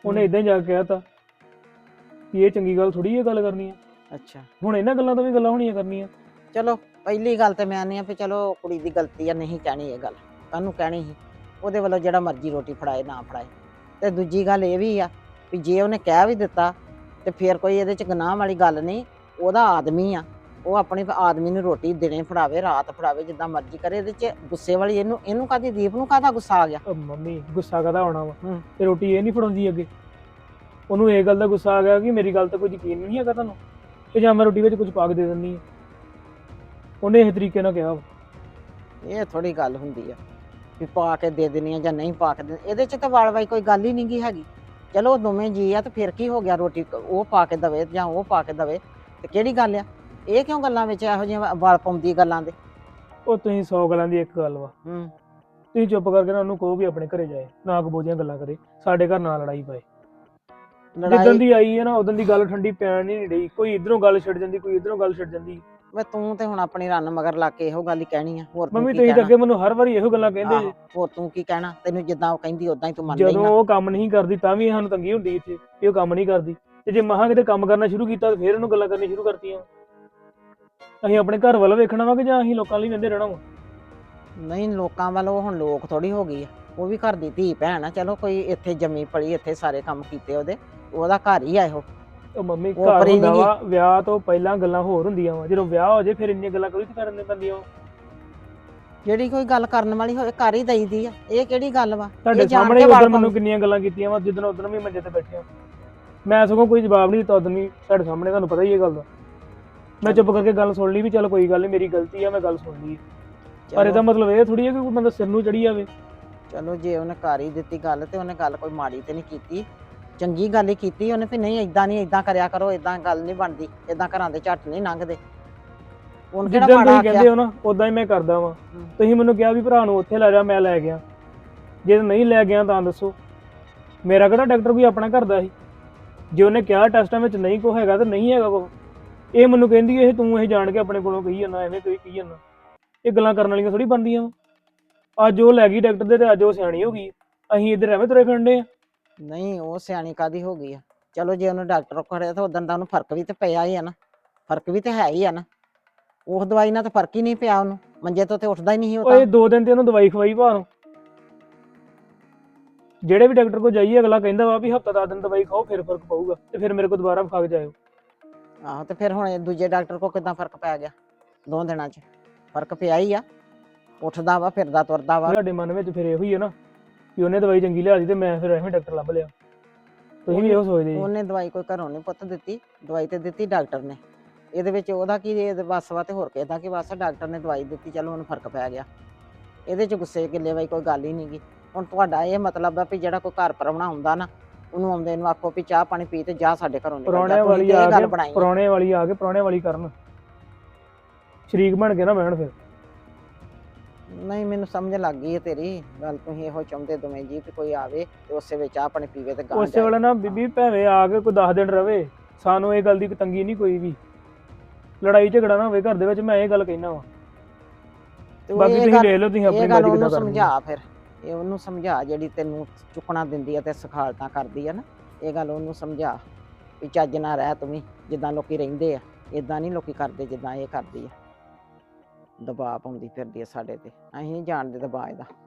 ਉਹਨੇ ਹੂੰ। ਇਦਾਂ ਹੀ ਜਾ ਕੇ ਕਹਿਤਾ ਕਿ ਇਹ ਚੰਗੀ ਗੱਲ ਥੋੜੀ ਇਹ ਗੱਲ ਕਰਨੀ ਆ। ਅੱਛਾ ਹੁਣ ਇਹਨਾਂ ਗੱਲਾਂ ਤੋਂ ਵੀ ਗੱਲਾਂ ਹੋਣੀਆਂ ਕਰਨੀਆਂ। ਚਲੋ ਪਹਿਲੀ ਗੱਲ ਤੇ ਮੈਂ ਨਹੀਂ ਆ ਵੀ ਚਲੋ ਕੁੜੀ ਦੀ ਗਲਤੀ ਆ, ਨਹੀਂ ਕਹਿਣੀ ਇਹ ਗੱਲ, ਕਾਹਨੂੰ ਕਹਿਣੀ ਸੀ। ਉਹਦੇ ਵੱਲੋਂ ਜਿਹੜਾ ਮਰਜ਼ੀ ਰੋਟੀ ਫੜਾਏ ਨਾ ਫੜਾਏ। ਤੇ ਦੂਜੀ ਗੱਲ ਇਹ ਵੀ ਆ ਵੀ ਜੇ ਉਹਨੇ ਕਹਿ ਵੀ ਦਿੱਤਾ ਤੇ ਫਿਰ ਕੋਈ ਇਹਦੇ ਚ ਗੁਨਾਹ ਵਾਲੀ ਗੱਲ ਨਹੀਂ। ਉਹਦਾ ਆਦਮੀ ਆ, ਉਹ ਆਪਣੇ ਆਦਮੀ ਨੂੰ ਰੋਟੀ ਦਿਨੇ ਫੜਾਵੇ ਰਾਤ ਫੜਾਵੇ ਜਿੱਦਾਂ ਮਰਜ਼ੀ ਕਰੇ। ਇਹਦੇ ਚ ਗੁੱਸੇ ਵਾਲੀ ਇਹਨੂੰ ਇਹਨੂੰ ਕਾਹਦੀ ਦੀਪ ਨੂੰ ਕਾਹਦਾ ਗੁੱਸਾ ਆ ਗਿਆ? ਉਹ ਮੰਮੀ ਗੁੱਸਾ ਕਾਹਦਾ ਆਉਣਾ ਵਾ, ਹੂੰ। ਤੇ ਰੋਟੀ ਇਹ ਨਹੀਂ ਫੜਾਉਂਦੀ ਅੱਗੇ। ਉਹਨੂੰ ਇਹ ਗੱਲ ਦਾ ਗੁੱਸਾ ਆ ਗਿਆ ਕਿ ਮੇਰੀ ਗੱਲ ਤੇ ਕੋਈ ਯਕੀਨ ਨਹੀਂ ਹੈਗਾ ਤੁਹਾਨੂੰ, ਤੇ ਜਾਂ ਮੈਂ ਰੋਟੀ ਵਿੱਚ ਕੁਝ ਪਾ ਕੇ ਦੇ ਦਿੰਦੀ ਆ। ਉਹਨੇ ਇਹ ਤਰੀਕੇ ਨਾਲ ਕਿਹਾ ਵਾ। ਇਹ ਥੋੜੀ ਗੱਲ ਹੁੰਦੀ ਆ ਵੀ ਪਾ ਕੇ ਦੇ ਦੇਣੀ ਆ ਜਾਂ ਨਹੀਂ ਪਾ ਕੇ ਦੇ। ਇਹਦੇ ਚ ਤਾਂ ਵਾਲ-ਵਾਈ ਕੋਈ ਗੱਲ ਹੀ ਨਹੀਂਗੀ ਹੈਗੀ। ਚਲੋ ਦੋਵੇਂ ਜੀ ਆ ਤੇ ਫਿਰ ਕੀ ਹੋ ਗਿਆ, ਰੋਟੀ ਉਹ ਪਾ ਕੇ ਦਵੇ ਜਾਂ ਉਹ ਪਾ ਕੇ ਦਵੇ ਤੇ ਕਿਹੜੀ ਗੱਲ ਆ? ਇਹ ਕਿਉਂ ਗੱਲਾਂ ਵਿੱਚ ਇਹੋ ਜਿਹੀਆਂ ਵਾਲ ਪਾਉਂਦੀ ਗੱਲਾਂ ਦੇ? ਉਹ ਤੁਸੀਂ ਸੌ ਗੱਲਾਂ ਦੀ ਇੱਕ ਗੱਲ ਵਾ, ਹੂੰ। ਤੁਸੀਂ ਚੁੱਪ ਕਰਕੇ ਨਾ ਉਹਨੂੰ ਕਹੋ ਵੀ ਆਪਣੇ ਘਰੇ ਜਾਏ, ਨਾ ਕਬੋਜੀਆਂ ਗੱਲਾਂ ਕਰੇ, ਸਾਡੇ ਘਰ ਨਾ ਲੜਾਈ ਪਾਏ। ਜਿੱਦਣ ਲੜਾਈ ਦੀ ਆਈ ਹੈ ਨਾ ਉਦੋਂ ਦੀ ਗੱਲ ਠੰਡੀ ਪੈਣ ਨਹੀਂ ਰਹੀ। ਕੋਈ ਇਧਰੋਂ ਗੱਲ ਛੱਡ ਜਾਂਦੀ, ਕੋਈ ਇਧਰੋਂ ਗੱਲ ਛੱਡ ਜਾਂਦੀ। ਵੇ ਤੂੰ ਤੇ ਹੁਣ ਆਪਣੀ ਰੰਨ ਮਗਰ ਲਾ ਕੇ ਇਹੋ ਗੱਲ ਹੀ ਕਹਿਣੀ ਆ, ਹੋਰ ਤੂੰ ਮੰਮੀ ਕੀ ਤੁਸੀਂ ਤਾਂ ਕਹਿਣਾ? ਅੱਗੇ ਮੈਨੂੰ ਹਰ ਵਾਰੀ ਇਹੋ ਗੱਲਾਂ ਕਹਿੰਦੇ ਆਹੋ, ਜੇ। ਹੋਰ ਤੂੰ ਕੀ ਕਹਿਣਾ? ਤੈਨੂੰ ਜਿੱਦਾਂ ਉਹ ਕਹਿੰਦੀ ਉਦਾਂ ਹੀ ਤੂੰ ਮੰਨ ਜਦੋਂ ਲੈਣਾ। ਉਹ ਕੰਮ ਨਹੀਂ ਕਰਦੀ ਤਾਂ ਵੀ ਸਾਨੂੰ ਤੰਗੀ ਹੁੰਦੀ ਇੱਥੇ ਕਿ ਉਹ ਕੰਮ ਨਹੀਂ ਕਰਦੀ, ਤੇ ਜੇ ਮਹਾਂ ਕਿਤੇ ਕੰਮ ਕਰਨਾ ਸ਼ੁਰੂ ਕੀਤਾ ਤਾਂ ਫਿਰ ਉਹਨੂੰ ਗੱਲਾਂ ਕਰਨੀ ਸ਼ੁਰੂ ਕਰਤੀਆਂ। ਅਸੀਂ ਆਪਣੇ ਘਰ ਵੱਲ ਵੇਖਣਾ ਵਾ ਕਿ ਜਾਂ ਅਸੀਂ ਲੋਕਾਂ ਲਈ ਵਹਿੰਦੇ ਰਹਿਣਾ ਵਾ? ਨਹੀਂ ਲੋਕਾਂ ਵੱਲੋਂ ਹੁਣ ਲੋਕ ਥੋੜੀ ਹੋ ਗਈ ਆ, ਉਹ ਵੀ ਘਰ ਦੀ ਧੀ ਭੈਣ ਆ। ਚਲੋ ਕੋਈ ਇੱਥੇ ਜੰਮੀ ਪਲੀ, ਇੱਥੇ ਸਾਰੇ ਕੰਮ ਕੀਤੇ ਉਹਦੇ, ਉਹਦਾ ਘਰ ਹੀ ਆ ਇਹੋ। ਉਹ ਮੰਮੀ ਉਹ ਘਰ ਪਰੀ ਹੁੰਦਾ ਨੀ ਗੀ। ਵਾ, ਵਿਆਹ ਤੋਂ ਪਹਿਲਾਂ ਗੱਲਾਂ ਹੋਰ ਹੁੰਦੀਆਂ ਵਾ, ਜਦੋਂ ਵਿਆਹ ਹੋ ਜੇ ਫਿਰ ਇੰਨੀਆਂ ਗੱਲਾਂ ਕੋਈ ਕਰਨ ਦੇ ਪੈਂਦੀਆਂ ਵਾ। ਜਿਹੜੀ ਕੋਈ ਗੱਲ ਕਰਨ ਵਾਲੀ ਹੋਵੇ ਕਰ ਹੀ ਦਈਦੀ ਆ, ਇਹ ਕਿਹੜੀ ਗੱਲ ਵਾ? ਤੁਹਾਡੇ ਇਹ ਜਾਣ ਸਾਹਮਣੇ ਕੇ ਉਦੋਂ ਵਾਲ ਮੈਨੂੰ ਕਿੰਨੀਆਂ ਗੱਲਾਂ ਕੀਤੀਆਂ ਵਾ, ਜਿੱਦਣ ਉਦੋਂ ਵੀ ਮੰਜੇ ਤੇ ਬੈਠੇ ਆ। ਮੈਂ ਸਗੋਂ ਕੋਈ ਜਵਾਬ ਨਹੀਂ ਦਿੱਤਾ ਉਦੋਂ ਵੀ, ਤੁਹਾਡੇ ਸਾਹਮਣੇ, ਤੁਹਾਨੂੰ ਪਤਾ ਹੀ ਇਹ ਗੱਲ ਦਾ। ਮੈਂ ਚੁੱਪ ਕਰਕੇ ਗੱਲ ਸੁਣ ਲਈ ਵੀ ਚੱਲ ਕੋਈ ਗੱਲ ਨਹੀਂ, ਮੇਰੀ ਗਲਤੀ ਆ, ਮੈਂ ਗੱਲ ਸੁਣ ਲਈ। ਪਰ ਚਲੋ- ਇਹਦਾ ਮਤਲਬ ਇਹ ਥੋੜੀ ਹੈ ਕਿ ਕੋਈ ਬੰਦਾ ਸਿਰ ਨੂੰ ਚੜੀ ਜਾਵੇ। ਚਲੋ ਜੇ ਉਹਨੇ ਕਰ ਹੀ ਦਿੱਤੀ ਗੱਲ ਤੇ ਉਹਨੇ ਗੱਲ ਕੋਈ ਮਾੜੀ ਤੇ ਨਹੀਂ ਕੀਤੀ, ਚੰਗੀ ਗੱਲ ਹੀ ਕੀਤੀ ਉਹਨੇ ਵੀ ਨਹੀਂ ਏਦਾਂ ਨਹੀਂ, ਏਦਾਂ ਕਰਿਆ ਕਰੋ, ਏਦਾਂ ਗੱਲ ਨਹੀਂ ਬਣਦੀ, ਏਦਾਂ ਘਰਾਂ ਦੇ ਝੱਟ ਨਹੀਂ ਲੰਘਦੇ। ਉਹਨੇ ਕਿਹੜਾ ਜਿੱਦਾਂ ਮਾੜਾ ਤੁਸੀਂ ਆਖਿਆ? ਕਹਿੰਦੇ ਹੋ ਨਾ ਉਦਾਂ ਹੀ ਮੈਂ ਕਰਦਾ ਵਾਂ। ਹੂੰ। ਤੁਸੀਂ ਮੈਨੂੰ ਕਿਹਾ ਵੀ ਭਰਾ ਨੂੰ ਉੱਥੇ ਲੈ ਜਾ, ਮੈਂ ਲੈ ਗਿਆ। ਜੇ ਨਹੀਂ ਲੈ ਗਿਆ ਤਾਂ ਦੱਸੋ, ਮੇਰਾ ਕਿਹੜਾ ਡਾਕਟਰ ਕੋਈ ਆਪਣਾ ਘਰ ਦਾ ਸੀ? ਜੇ ਉਹਨੇ ਕਿਹਾ ਟੈਸਟਾਂ ਵਿੱਚ ਨਹੀਂ ਕੋ ਹੈਗਾ ਤਾਂ ਨਹੀਂ ਹੈਗਾ ਕੋ। ਇਹ ਮੈਨੂੰ ਕਹਿੰਦੀ ਇਹ ਤੂੰ ਇਹ ਜਾਣ ਕੇ ਆਪਣੇ ਕੋਲੋਂ ਕਹੀ ਜਾਂਦਾ, ਐਵੇਂ ਕੋਈ ਕਹੀ ਜਾਂਦਾ। ਇਹ ਗੱਲਾਂ ਕਰਨ ਵਾਲੀਆਂ ਥੋੜੀ ਬਣਦੀਆਂ ਵਾ। ਅੱਜ ਉਹ ਲੈ ਗਈ ਡਾਕਟਰ ਦੇ ਤੇ ਅੱਜ ਉਹ ਸਿਆਣੀ ਹੋ ਗਈ, ਅਸੀਂ ਇੱਧਰ ਐਵੇਂ ਤੁਰੇ ਫਿਰਦੇ ਆ। ਨਹੀਂ ਉਹ ਸਿਆਣੀ ਕਾਦੀ ਹੋ ਗਈ ਆ? ਚਲੋ ਜੇ ਉਹਨੇ ਡਾਕਟਰ ਕੋਲ ਖੜਿਆ ਤਾਂ ਉਦੋਂ ਦਾ ਉਹਨੂੰ ਫਰਕ ਵੀ ਤੇ ਪਿਆ ਹੀ ਆ ਨਾ, ਫਰਕ ਵੀ ਤੇ ਹੈ ਹੀ ਆ ਨਾ। ਉਸ ਦਵਾਈ ਨਾਲ ਤਾਂ ਫਰਕ ਹੀ ਨਹੀਂ ਪਿਆ ਉਹਨੂੰ, ਮੰਜੇ ਤੋਂ ਤੇ ਉੱਠਦਾ ਹੀ ਨਹੀਂ ਸੀ ਉਹ ਉਹ ਤਾਂ। ਇਹ ਦੋ ਦਿਨ ਤੇ ਉਹਨੂੰ ਦਵਾਈ ਖਵਾਈ ਭਾਰੋਂ। ਜਿਹੜੇ ਵੀ ਡਾਕਟਰ ਕੋਲ ਜਾਈਏ ਅਗਲਾ ਕਹਿੰਦਾ ਵਾ ਵੀ ਹਫ਼ਤਾ ਦਸ ਦਿਨ ਦਵਾਈ ਖਾਓ ਫਿਰ ਫਰਕ ਪਊਗਾ, ਤੇ ਫਿਰ ਮੇਰੇ ਕੋਲ ਦੁਬਾਰਾ ਵਿਖਾ ਕੇ ਜਾਇਓ। ਆਹੋ ਤੇ ਫਿਰ ਹੁਣ ਇਹ ਦੂਜੇ ਡਾਕਟਰ ਕੋਲ ਕਿੱਦਾਂ ਫਰਕ ਪੈ ਗਿਆ? ਦੋ ਦਿਨਾਂ 'ਚ ਫਰਕ ਪਿਆ ਹੀ ਆ, ਉੱਠਦਾ ਵਾ, ਫਿਰਦਾ ਤੁਰਦਾ ਵਾ। ਤੁਹਾਡੇ ਮਨ ਵਿੱਚ ਫਿਰ ਇਹੋ ਹੀ ਹੈ ਨਾ ਕਿ ਉਹਨੇ ਦਵਾਈ ਚੰਗੀ ਲਿਆ ਦੀ ਤੇ ਮੈਂ ਫਿਰ ਐਵੇਂ ਡਾਕਟਰ ਲੱਭ ਲਿਆ। ਤੁਸੀਂ ਵੀ ਇਹੋ ਸੋਚਦੇ ਜੀ। ਉਹਨੇ ਦਵਾਈ ਕੋਈ ਘਰੋਂ ਨਹੀਂ ਪੁੱਤ ਦਿੱਤੀ, ਦਵਾਈ ਤੇ ਦਿੱਤੀ ਡਾਕਟਰ ਨੇ। ਇਹਦੇ ਵਿੱਚ ਉਹਦਾ ਕੀ ਇਹਦੇ ਵੱਸ ਵਾ ਤੇ ਹੋਰ ਕਿਹਦਾ ਕੀ ਵੱਸ? ਡਾਕਟਰ ਨੇ ਦਵਾਈ ਦਿੱਤੀ, ਚਲੋ ਉਹਨੂੰ ਫਰਕ ਪੈ ਗਿਆ। ਇਹਦੇ 'ਚ ਗੁੱਸੇ ਗਿੱਲੇ ਵਾਲੀ ਕੋਈ ਗੱਲ ਹੀ ਨਹੀਂ ਗੀ। ਹੁਣ ਤੁਹਾਡਾ ਇਹ ਮਤਲਬ ਆ ਵੀ ਜਿਹੜਾ ਕੋਈ ਘਰ ਪ੍ਰਾਹੁਣਾ ਆਉਂਦਾ ਨਾ, ਉਹਨੂੰ ਆਉਂਦੇ ਨੂੰ ਆਖੋ ਵੀ ਚਾਹ ਪਾਣੀ ਪੀ ਤੇ ਜਾ ਸਾਡੇ ਘਰੋਂ ਨਿਕਲ ਜਾ। ਪ੍ਰਾਹੁਣਿਆਂ ਤੁਸੀਂ ਵਾਲੀ ਤੇ ਆ ਇਹ ਗੱਲ ਕੇ ਬਣਾਈ ਆ। ਪ੍ਰਾਹੁਣੇ ਵਾਲੀ ਆ ਕੇ ਪ੍ਰਾਹੁਣੇ ਵਾਲੀ ਕਰਨ, ਸ਼ਰੀਕ ਬਣ ਕੇ ਨਾ ਬਹਿਣ ਫਿਰ। ਨਹੀਂ ਮੈਨੂੰ ਸਮਝ ਲੱਗ ਗਈ ਹੈ ਤੇਰੀ ਗੱਲ। ਤੁਸੀਂ ਇਹੋ ਚਾਹੁੰਦੇ ਦੋਵੇਂ ਜੀ ਵੀ ਕੋਈ ਆਵੇ ਤੇ ਉਸੇ ਵਿੱਚ ਚਾਹ ਪਾਣੀ ਪੀਵੇ ਤੇ ਗਾਂ ਉਸੇ ਜਾਏ। ਵੇਲੇ ਨਾ ਬੀਬੀ ਭਾਵੇਂ ਆ ਕੇ ਕੋਈ ਦਸ ਦਿਨ ਰਵੇ, ਸਾਨੂੰ ਇਹ ਗੱਲ ਦੀ ਤੰਗੀ ਨਹੀਂ ਕੋਈ ਵੀ। ਲੜਾਈ ਝਗੜਾ ਨਾ ਹੋਵੇ ਘਰ ਦੇ ਵਿੱਚ, ਮੈਂ ਇਹ ਗੱਲ ਕਹਿਣਾ ਵਾ। ਤੇ ਉਹ ਬਾਕੀ ਇਹ ਤੁਸੀਂ ਗੱਲ- ਵੇਖ ਲਓ ਤੁਸੀਂ ਆਪਣੀ ਇਹ ਗੱਲ ਮਰਜ਼ੀ ਉਹਨੂੰ ਕਿੱਦਾਂ ਕਰਨੀ ਆ। ਸਮਝਾ, ਫਿਰ ਇਹ ਉਹਨੂੰ ਸਮਝਾ ਜਿਹੜੀ ਤੈਨੂੰ ਚੁੱਕਣਾ ਦਿੰਦੀ ਆ ਤੇ ਸਖਾਲਤਾਂ ਕਰਦੀ ਆ ਨਾ। ਇਹ ਗੱਲ ਉਹਨੂੰ ਸਮਝਾ ਵੀ ਚੱਜ ਨਾਲ ਰਹਿ ਤੂੰ ਵੀ, ਜਿੱਦਾਂ ਲੋਕੀ ਰਹਿੰਦੇ ਆ ਇਦਾਂ ਨਹੀਂ ਲੋਕੀ ਕਰਦੇ ਜਿੱਦਾਂ ਇਹ ਕਰਦੀ ਆ। ਦਬਾਅ ਪਾਉਂਦੀ ਫਿਰਦੀ ਆ ਸਾਡੇ ਤੇ, ਅਸੀਂ ਨਹੀਂ ਜਾਣਦੇ ਦਬਾਅ ਇਹਦਾ।